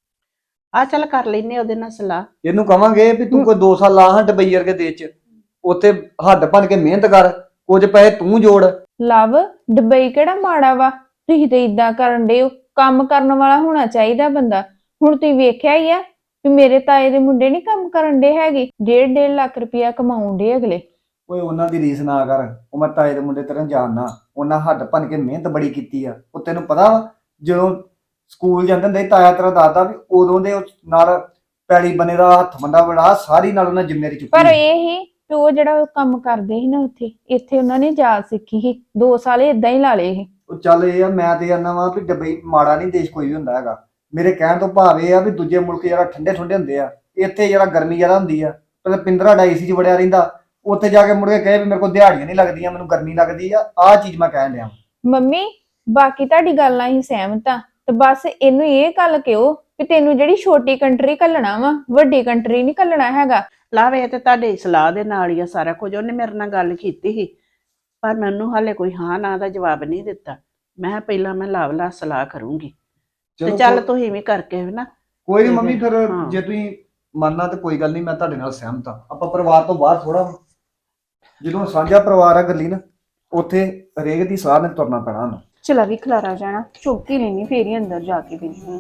Speaker 7: ਆ ਚੱਲ ਕਰ ਲੈਨੇ ਉਹਦੇ ਨਾਲ ਸਲਾਹ।
Speaker 4: ਇਹਨੂੰ ਕਵਾਂਗੇ ਵੀ ਤੂੰ ਕੋਈ 2 ਸਾਲ ਲਾ ਹਾਂ ਦੁਬਈ ਵਰਗੇ ਦੇਸ਼ 'ਚ, ਉੱਥੇ ਹੱਡ ਭੰਨ ਕੇ ਮਿਹਨਤ ਕਰ, ਕੁਝ ਪੈਸੇ ਤੂੰ ਜੋੜ।
Speaker 6: ਲਵ ਦੁਬਈ ਕਿਹੜਾ ਮਾੜਾ ਵਾ, ਤੁਸੀਂ ਤੇ ਇਦਾਂ ਕਰਨ ਡੇ ਹੋ, ਕੰਮ ਕਰਨ ਵਾਲਾ ਹੋਣਾ ਚਾਹੀਦਾ ਬੰਦਾ। ਹੁਣ ਤੁਸੀਂ ਵੇਖਿਆ ਹੀ ਆ ਵੀ ਮੇਰੇ ਤਾਏ ਦੇ ਮੁੰਡੇ ਨਹੀਂ ਕੰਮ ਕਰਨ ਡੇ ਹੈਗੇ, 1.5 ਲੱਖ ਰੁਪਇਆ ਕਮਾਉਣ ਡੇ ਅਗਲੇ।
Speaker 4: ਓਏ ਉਹਨਾਂ ਦੀ ਰੀਸ ਨਾ ਕਰ, ਉਹ ਮੈਂ ਤਾਏ ਦੇ ਮੁੰਡੇ ਤੇਰੇ ਜਾਣਨਾ, ਉਹਨਾਂ ਹੱਡ ਭੰਨ ਕੇ ਮਿਹਨਤ ਬੜੀ ਕੀਤੀ ਆ। ਉਹ ਤੈਨੂੰ ਪਤਾ ਵਾ ਜਦੋਂ ਸਕੂਲ ਜਾਂਦੇ ਹੁੰਦੇ ਤਾਇਆ ਤੇਰਾ ਦੱਸਦਾ ਵੀ ਉਦੋਂ ਦੇ ਨਾਲ ਪੈਲੀ ਬਨੇ ਦਾ ਹੱਥ ਬੰਦਾ ਬੜਾ ਸਾਰੀ ਨਾਲ ਉਹਨਾਂ ਜ਼ਿੰਮੇਵਾਰੀ ਚੁੱਕੀ।
Speaker 6: ਪਰ ਇਹ ਹੀ ਤੇ ਉਹ ਜਿਹੜਾ ਉਹ ਕੰਮ ਕਰਦੇ ਸੀ ਨਾ ਉੱਥੇ, ਇੱਥੇ ਉਹਨਾਂ ਨੇ ਜਾਚ ਸਿੱਖੀ ਸੀ, 2 ਸਾਲ ਇਦਾਂ ਹੀ ਲਾ ਲਏ ਸੀ।
Speaker 4: ਉਹ ਚੱਲ ਇਹ ਆ, ਮੈਂ ਤੇ ਜਾਣਦਾ ਵਾ ਵੀ ਦੁਬਈ ਮਾੜਾ ਨਹੀਂ ਦੇਸ਼ ਕੋਈ ਵੀ ਹੁੰਦਾ ਹੈਗਾ। ਮੇਰੇ ਕਹਿਣ ਤੋਂ ਭਾਵ ਇਹ ਆ ਵੀ ਦੂਜੇ ਮੁਲਕ ਜਿਹੜਾ ਠੰਡੇ ਠੰਡੇ ਹੁੰਦੇ ਆ, ਇੱਥੇ ਜਿਹੜਾ ਗਰਮੀ ਜ਼ਿਆਦਾ ਹੁੰਦੀ ਆ। ਪਹਿਲਾਂ ਪਿੰਦਰਾ ਏਸੀ 'ਚ ਵੜਿਆ ਰਹਿੰਦਾ, ਉੱਥੇ ਜਾ ਕੇ ਮੁੜ ਕੇ ਕਹੇ ਵੀ ਮੇਰੇ ਕੋਲ ਦਿਹਾੜੀਆਂ ਨਹੀਂ ਲੱਗਦੀਆਂ, ਮੈਨੂੰ ਗਰਮੀ ਲੱਗਦੀ ਆ। ਆਹ ਚੀਜ਼ ਮੈਂ ਕਹਿਣ ਡਿਆ।
Speaker 6: ਮੰਮੀ ਬਾਕੀ ਤੁਹਾਡੀ ਗੱਲ ਨਾਲ ਹੀ ਸਹਿਮਤ ਆ, ਤੇ ਬਸ ਇਹਨੂੰ ਇਹ ਗੱਲ ਕਿਹੋ ਕਿ ਤੈਨੂੰ ਜਿਹੜੀ ਛੋਟੀ ਕੰਟਰੀ ਘੱਲਣਾ ਵਾ, ਵੱਡੀ ਕੰਟਰੀ ਨਹੀਂ ਘੱਲਣਾ ਹੈਗਾ।
Speaker 7: ਲਵ ਇਹ ਤੇ ਤੁਹਾਡੀ ਸਲਾਹ ਦੇ ਨਾਲ ਹੀ ਆ ਸਾਰਾ ਕੁਝ। ਉਹਨੇ ਮੇਰੇ ਨਾਲ ਗੱਲ ਕੀਤੀ ਸੀ ਪਰ ਮੈਨੂੰ ਹਾਲੇ ਕੋਈ ਹਾਂ ਨਾ ਦਾ ਜਵਾਬ ਨਹੀਂ ਦਿੱਤਾ। ਮੈਂ ਕਿਹਾ ਪਹਿਲਾਂ ਮੈਂ ਲਵ ਨਾਲ ਸਲਾਹ ਕਰੂੰਗੀ ਤੇ ਚੱਲ ਤੁਸੀਂ ਵੀ ਕਰਕੇ ਨਾ।
Speaker 4: ਕੋਈ ਨਹੀਂ ਮੰਮੀ, ਫਿਰ
Speaker 7: ਹਾਂ।
Speaker 4: ਜੇ ਤੁਸੀਂ ਮੰਨਣਾ ਤੇ ਕੋਈ ਗੱਲ ਨਹੀਂ, ਮੈਂ ਤੁਹਾਡੇ ਨਾਲ ਸਹਿਮਤ ਹਾਂ। ਆਪਾਂ ਪਰਿਵਾਰ ਤੋਂ ਬਾਹਰ ਥੋੜਾ, ਜਦੋਂ ਸਾਂਝਾ ਪਰਿਵਾਰ ਆ ਗੱਲੀ ਨਾ, ਉੱਥੇ ਹਰੇਕ ਦੀ ਸਾਹ ਨੇ ਤੁਰਨਾ ਪੈਣਾ ਉਹਨੂੰ।
Speaker 5: ਚਲਾ ਵੀ ਖਲਾਰਾ ਜਾਣਾ, ਚੁੱਕ ਹੀ ਲੈਣੀ, ਫੇਰ ਹੀ ਅੰਦਰ ਜਾ ਕੇ ਬੈਠੀ।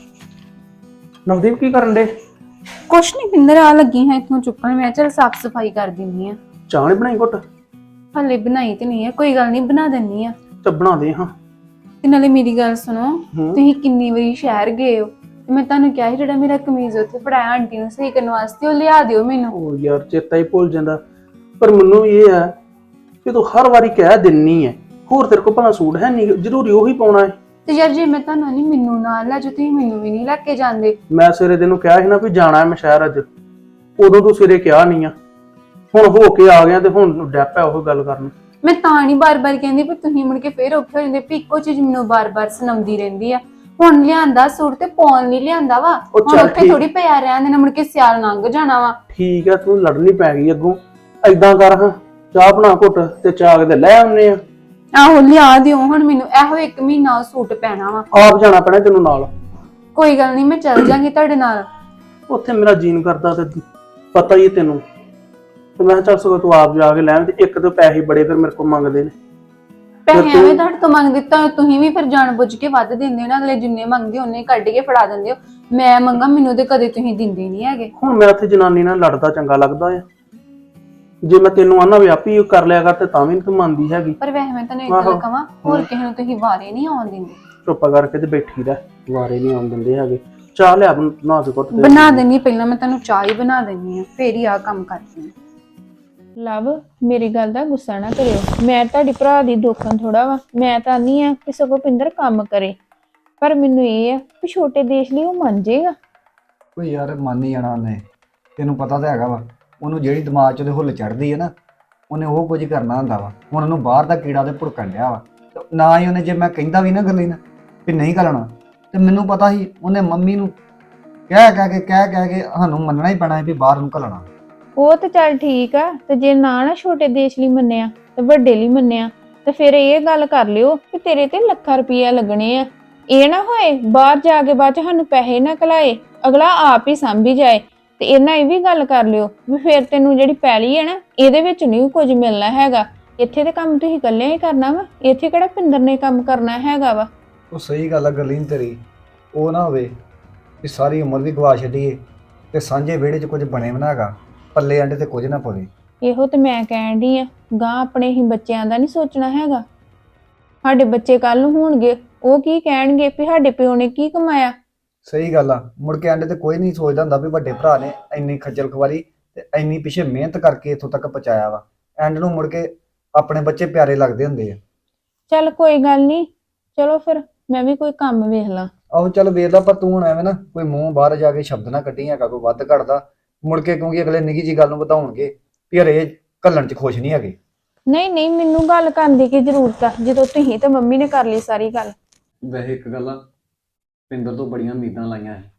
Speaker 3: ਨਵਦੀਪ ਕੀ ਕਰਨ ਦੇ?
Speaker 8: ਕੁਛ ਨਹੀਂ ਪਿੰਦਰ, ਆ ਲੱਗੀ ਹਾਂ ਇੱਥੋਂ ਚੁੱਕਣ। ਮੈਂ ਚਲ ਸਾਫ ਸਫਾਈ ਕਰ ਦਿੰਨੀ ਆ।
Speaker 3: ਚਾਹ ਨੀ ਬਣਾਈ ਘੁੱਟ?
Speaker 8: ਹਲੇ ਬਣਾਈ ਤੇ ਨਹੀਂ ਹੈ, ਕੋਈ ਗੱਲ ਨਹੀਂ ਬਣਾ ਦਿੰਨੀ ਆ।
Speaker 3: ਤੇ ਬਣਾ ਦੇ ਹਾਂ।
Speaker 8: ਤੇ ਨਾਲੇ ਮੇਰੀ ਗੱਲ ਸੁਣੋ, ਤੁਸੀਂ ਕਿੰਨੀ ਵਾਰੀ ਸ਼ਹਿਰ ਗਏ ਹੋ ਤੇ ਮੈਂ ਤੁਹਾਨੂੰ ਕਿਹਾ ਸੀ ਜਿਹੜਾ ਮੇਰਾ ਕਮੀਜ਼ ਉੱਥੇ ਫੜਾਇਆ ਆਂਟੀ ਨੂੰ ਸਹੀ ਕਰਨ ਵਾਸਤੇ, ਉਹ ਲਿਆ ਦਿਓ ਮੈਨੂੰ।
Speaker 3: ਉਹ ਯਾਰ ਚੇਤਾ ਹੀ ਭੁੱਲ ਜਾਂਦਾ। ਪਰ ਮੈਨੂੰ ਵੀ ਇਹ ਹੈ ਕਿ ਤੂੰ ਹਰ ਵਾਰੀ ਕਹਿ ਦਿੰਨੀ ਹੈ, ਹੋਰ ਤੇਰੇ ਕੋਲ ਭਲਾ ਸੂਟ ਹੈ ਨਹੀਂ, ਜ਼ਰੂਰੀ ਉਹੀ ਪਾਉਣਾ ਹੈ।
Speaker 8: ਤੇ ਯਾਰ ਜੇ ਮੈਂ ਤੁਹਾਨੂੰ ਨਹੀਂ, ਮੈਨੂੰ ਨਾਲ ਲੈ ਜਾਓ, ਤੁਸੀਂ ਮੈਨੂੰ ਵੀ ਨਹੀਂ ਲੈ ਕੇ ਜਾਂਦੇ।
Speaker 3: ਮੈਂ ਸਵੇਰੇ ਤੈਨੂੰ ਕਿਹਾ ਸੀ ਨਾ ਵੀ ਜਾਣਾ ਹੈ ਮੈਂ ਸ਼ਹਿਰ ਅੱਜ, ਉਦੋਂ ਤੂੰ ਸਵੇਰੇ ਕਿਹਾ ਨਹੀਂ ਆ। ਹੁਣ ਹੋ ਕੇ ਆ ਗਿਆ ਤੇ ਹੁਣ ਡੈਪ ਹੈ ਉਹ ਗੱਲ ਕਰਨ।
Speaker 8: ਮੈਂ ਤਾਂ ਨਹੀਂ ਬਾਰ-ਬਾਰ ਕਹਿੰਦੀ, ਪਰ ਤੁਸੀਂ ਮੁੜ ਕੇ ਫੇਰ ਔਖੇ ਹੋ ਜਾਂਦੇ ਵੀ ਇੱਕੋ ਚੀਜ਼ ਮੈਨੂੰ ਬਾਰ-ਬਾਰ ਸੁਣਾਉਂਦੀ ਰਹਿੰਦੀ ਆ। ਹੁਣ ਲਿਆਂਦਾ ਸੂਟ ਤੇ ਪਾਉਣ ਨਹੀਂ ਲਿਆਂਦਾ ਵਾ, ਹੁਣ ਉੱਥੇ ਥੋੜੀ ਪਿਆ ਰਹਿਣ ਦੇਣਾ, ਮੁੜ ਕੇ ਸਿਆਲ ਲੰਘ ਜਾਣਾ ਵਾ।
Speaker 3: ਠੀਕ ਹੈ, ਤੂੰ ਲੜਨੀ ਪੈ ਗਈ ਅੱਗੋਂ। ਏਦਾਂ ਕਰ ਹਾਂ, ਚਾਹ ਬਣਾ ਘੁੱਟ ਤੇ ਚਾਹ ਕੇ ਲੈ ਆਉਨੇ ਆ।
Speaker 8: ਆਹੋ ਲਿਆ ਦਿਓ ਹੁਣ ਮੈਨੂੰ, ਇਹੋ 1 ਮਹੀਨਾ ਸੂਟ ਪੈਣਾ ਵਾ।
Speaker 3: ਆਪ ਜਾਣਾ ਪੈਣਾ ਤੈਨੂੰ ਨਾਲ।
Speaker 8: ਕੋਈ ਗੱਲ ਨਹੀਂ, ਮੈਂ ਚੱਲ ਜਾਂਗੀ ਤੁਹਾਡੇ ਨਾਲ।
Speaker 3: ਉੱਥੇ ਮੇਰਾ ਜੀਨ ਕਰਦਾ ਤੇ ਪਤਾ ਹੀ ਤੈਨੂੰ, ਤੇ ਮੈਂ ਚੱਲ ਸਗੋਂ ਤੂੰ ਆਪ ਜਾ ਕੇ ਲੈ। ਤੇ ਇੱਕ ਤਾਂ ਪੈਸੇ ਬੜੇ ਫਿਰ ਮੇਰੇ ਕੋਲ ਮੰਗਦੇ ਨੇ।
Speaker 8: ਪੈਸੇ ਐਵੇਂ ਤੁਹਾਡੇ ਤੋਂ ਮੰਗ ਦਿੱਤਾ, ਤੁਸੀਂ ਵੀ ਫਿਰ ਜਾਣ ਬੁੱਝ ਕੇ ਵੱਧ ਦਿੰਦੇ ਹੋ ਨਾ। ਅਗਲੇ ਜਿੰਨੇ ਮੰਗਦੇ ਉਹਨੇ ਕੱਢ ਕੇ ਫੜਾ ਦਿੰਦੇ ਹੋ। ਮੈਂ ਮੰਗਾ ਮੈਨੂੰ ਤੇ ਕਦੇ ਤੁਸੀਂ ਦਿੰਦੇ ਨਹੀਂ ਹੈਗੇ।
Speaker 3: ਹੁਣ ਮੈਂ ਉੱਥੇ ਜਨਾਨੀ ਨਾਲ ਲੜਦਾ ਚੰਗਾ ਲੱਗਦਾ ਆ? ਜੇ ਮੈਂ ਤੈਨੂੰ ਆਨਾ ਵੀ ਆਪੀ ਕਰ ਲਿਆ ਕਰ ਤੇ ਤਾਂ ਵੀ ਤੂੰ ਮੰਨਦੀ ਹੈਗੀ।
Speaker 8: ਪਰ ਵੈਸੇ ਮੈਂ ਤੁਹਾਨੂੰ ਇੱਕ ਗੱਲ ਕਹਾਂ, ਹੋਰ ਕਿਸੇ ਨੂੰ ਤੁਸੀਂ ਵਾਰੇ ਨਹੀਂ ਆਉਣ ਦਿੰਦੇ।
Speaker 3: ਚੁੱਪ ਕਰਕੇ ਤੇ ਬੈਠੀ ਰਹਿ, ਵਾਰੇ ਨਹੀਂ ਆਉਣ ਦਿੰਦੇ ਹੈਗੇ। ਚਾਹ ਲਿਆ ਬਣਾ ਦੇ ਘੁੱਟ।
Speaker 8: ਬਣਾ ਦੇਣੀ, ਪਹਿਲਾਂ ਮੈਂ ਤੁਹਾਨੂੰ ਚਾਹ ਹੀ ਬਣਾ ਦੇਣੀ ਆ, ਫੇਰ ਹੀ ਆ ਕੰਮ ਕਰਦੀ ਆ।
Speaker 6: ਲਵ ਮੇਰੀ ਗੱਲ ਦਾ ਗੁੱਸਾ ਨਾ ਕਰਿਓ, ਮੈਂ ਤੁਹਾਡੀ ਭਰਾ ਦੀ ਦੋਖਣ ਥੋੜਾ ਵਾ। ਮੈਂ ਤਾਂ ਨਹੀਂ ਆ ਕਿ ਸਗੋਂ ਪਿੰਦਰ ਕੰਮ ਕਰੇ, ਪਰ ਮੈਨੂੰ ਇਹ ਆ ਕਿ ਛੋਟੇ ਦੇਸ਼ ਲਈ ਉਹ ਮੰਨ ਜਾਏਗਾ।
Speaker 4: ਕੋਈ ਯਾਰ ਮੰਨ ਹੀ ਜਾਣਾ ਉਹਨੇ, ਤੈਨੂੰ ਪਤਾ ਤਾਂ ਹੈਗਾ ਵਾ। ਉਹਨੂੰ ਜਿਹੜੀ ਦਿਮਾਗ 'ਚ ਉਹਦੇ ਹੁੱਲ ਚੜ੍ਹਦੀ ਹੈ ਨਾ, ਉਹਨੇ ਉਹ ਕੁਝ ਕਰਨਾ ਹੁੰਦਾ ਵਾ। ਹੁਣ ਉਹਨੂੰ ਬਾਹਰ ਦਾ ਕੀੜਾ ਤੇ ਭੁੜਕਣ ਡਿਆ ਵਾ। ਨਾ ਹੀ ਉਹਨੇ, ਜੇ ਮੈਂ ਕਹਿੰਦਾ ਵੀ ਨਾ ਗੱਲੀ ਨਾ ਵੀ ਨਹੀਂ ਕਰਨਾ, ਤੇ ਮੈਨੂੰ ਪਤਾ ਸੀ ਉਹਨੇ ਮੰਮੀ ਨੂੰ ਕਹਿ ਕੇ ਸਾਨੂੰ ਮੰਨਣਾ ਹੀ ਪੈਣਾ ਹੈ ਵੀ ਬਾਹਰ ਨੂੰ ਘੱਲਣਾ।
Speaker 6: ਉਹ ਤੇ ਚੱਲ ਠੀਕ ਆ, ਤੇ ਜੇ ਨਾ ਛੋਟੇ ਦੇਸ਼ ਲਈ ਮੰਨਿਆ ਤੇ ਵੱਡੇ ਲਈ ਮੰਨਿਆ, ਤੇ ਫਿਰ ਇਹ ਗੱਲ ਕਰ ਲਿਓ ਕਿ ਤੇਰੇ ਤੇ ਲੱਖਾਂ ਰੁਪਈਆ ਲੱਗਣੇ ਆ। ਇਹ ਨਾ ਹੋਏ ਬਾਹਰ ਜਾ ਕੇ ਬਾਅਦ ਚ ਸਾਨੂੰ ਪੈਸੇ ਨਾ ਕਲਾਏ, ਅਗਲਾ ਆਪ ਹੀ ਸਾਂਭੀ ਜਾਏ। ਤੇ ਇਹਨਾਂ ਇਹ ਵੀ ਗੱਲ ਕਰ ਲਿਓ ਵੀ ਫਿਰ ਤੈਨੂੰ ਜਿਹੜੀ ਪੈਲੀ ਹੈ ਨਾ, ਇਹਦੇ ਵਿੱਚ ਨਹੀਂ ਕੁਝ ਮਿਲਣਾ ਹੈਗਾ। ਇੱਥੇ ਤੇ ਕੰਮ ਤੁਸੀਂ ਇਕੱਲੇ ਹੀ ਕਰਨਾ ਵਾ, ਇੱਥੇ ਕਿਹੜਾ ਪਿੰਦਰ ਨੇ ਕੰਮ ਕਰਨਾ ਹੈਗਾ ਵਾ।
Speaker 4: ਉਹ ਸਹੀ ਗੱਲ ਆ ਗੱਲੀ ਨੀ ਤੇਰੀ। ਉਹ ਨਾ ਹੋਵੇ ਵੀ ਸਾਰੀ ਉਮਰ ਵੀ ਗਵਾ ਛੱਡੀਏ ਤੇ ਸਾਂਝੇ ਵਿਹੜੇ 'ਚ ਕੁਝ ਬਣੇ ਵੀ ਨਾ ਹੈਗਾ, ਪੱਲੇ ਅੰਡੇ ਤੇ ਕੁਝ ਨਾ ਪਵੇ।
Speaker 6: ਇਹੋ ਤੇ ਮੈਂ ਕਹਿਣ ਡਈ ਆ, ਗਾਂ ਆਪਣੇ ਹੀ ਬੱਚਿਆਂ ਦਾ ਨਹੀਂ ਸੋਚਣਾ ਹੈਗਾ। ਸਾਡੇ ਬੱਚੇ ਕੱਲ ਨੂੰ ਹੋਣਗੇ, ਉਹ ਕੀ ਕਹਿਣਗੇ ਵੀ ਸਾਡੇ ਪਿਓ ਨੇ ਕੀ ਕਮਾਇਆ।
Speaker 4: ਸਹੀ ਗੱਲ ਆ, ਮੁੜ ਕੇ ਐਂਡ ਤੇ ਕੋਈ ਨਹੀਂ ਸੋਚਦਾ ਹੁੰਦਾ ਵੀ ਵੱਡੇ ਭਰਾ ਨੇ ਇੰਨੀ ਖੱਜਲ ਖਵਾਰੀ ਤੇ ਇੰਨੀ ਪਿੱਛੇ ਮਿਹਨਤ ਕਰਕੇ ਇੱਥੋਂ ਤੱਕ ਪਹੁੰਚਾਇਆ ਵਾ। ਐਂਡ ਨੂੰ ਮੁੜ ਕੇ ਆਪਣੇ ਬੱਚੇ ਪਿਆਰੇ ਲੱਗਦੇ ਹੁੰਦੇ ਆ।
Speaker 6: ਚੱਲ ਕੋਈ ਗੱਲ ਨਹੀਂ, ਚਲੋ ਫਿਰ ਮੈਂ ਵੀ ਕੋਈ ਕੰਮ ਵੇਖ ਲਾਂ।
Speaker 4: ਆਹੋ ਚੱਲ ਵੇਖ ਲਾ, ਪਰ ਤੂੰ ਹੁਣ ਐਵੇਂ ਨਾ ਕੋਈ ਮੂੰਹ ਬਾਹਰ ਜਾ ਕੇ ਸ਼ਬਦ ਨਾ ਕੱਢੀ ਹੈਗਾ ਕੋਈ ਵੱਧ ਘੜਦਾ ਮੁੜ ਕੇ, ਕਿਉਂਕਿ ਅਗਲੇ ਨਿੱਕੀ ਜੀ ਗੱਲ ਨੂੰ ਵਧਾਉਣਗੇ ਵੀ ਹਰੇ ਘੱਲਣ 'ਚ ਖੁਸ਼ ਨਹੀਂ ਹੈਗੇ।
Speaker 6: ਨਹੀਂ ਮੈਨੂੰ ਗੱਲ ਕਰਨ ਦੀ ਕੀ ਜ਼ਰੂਰਤ ਆ, ਜਦੋਂ ਤੁਸੀਂ ਤੇ ਮੰਮੀ ਨੇ ਕਰ ਲਈ ਸਾਰੀ ਗੱਲ।
Speaker 4: ਵੈਸੇ ਇੱਕ ਗੱਲ ਆ, ਪਿੰਦਰ ਤੋਂ ਬੜੀਆਂ ਉਮੀਦਾਂ ਲਾਈਆਂ ਹੈ।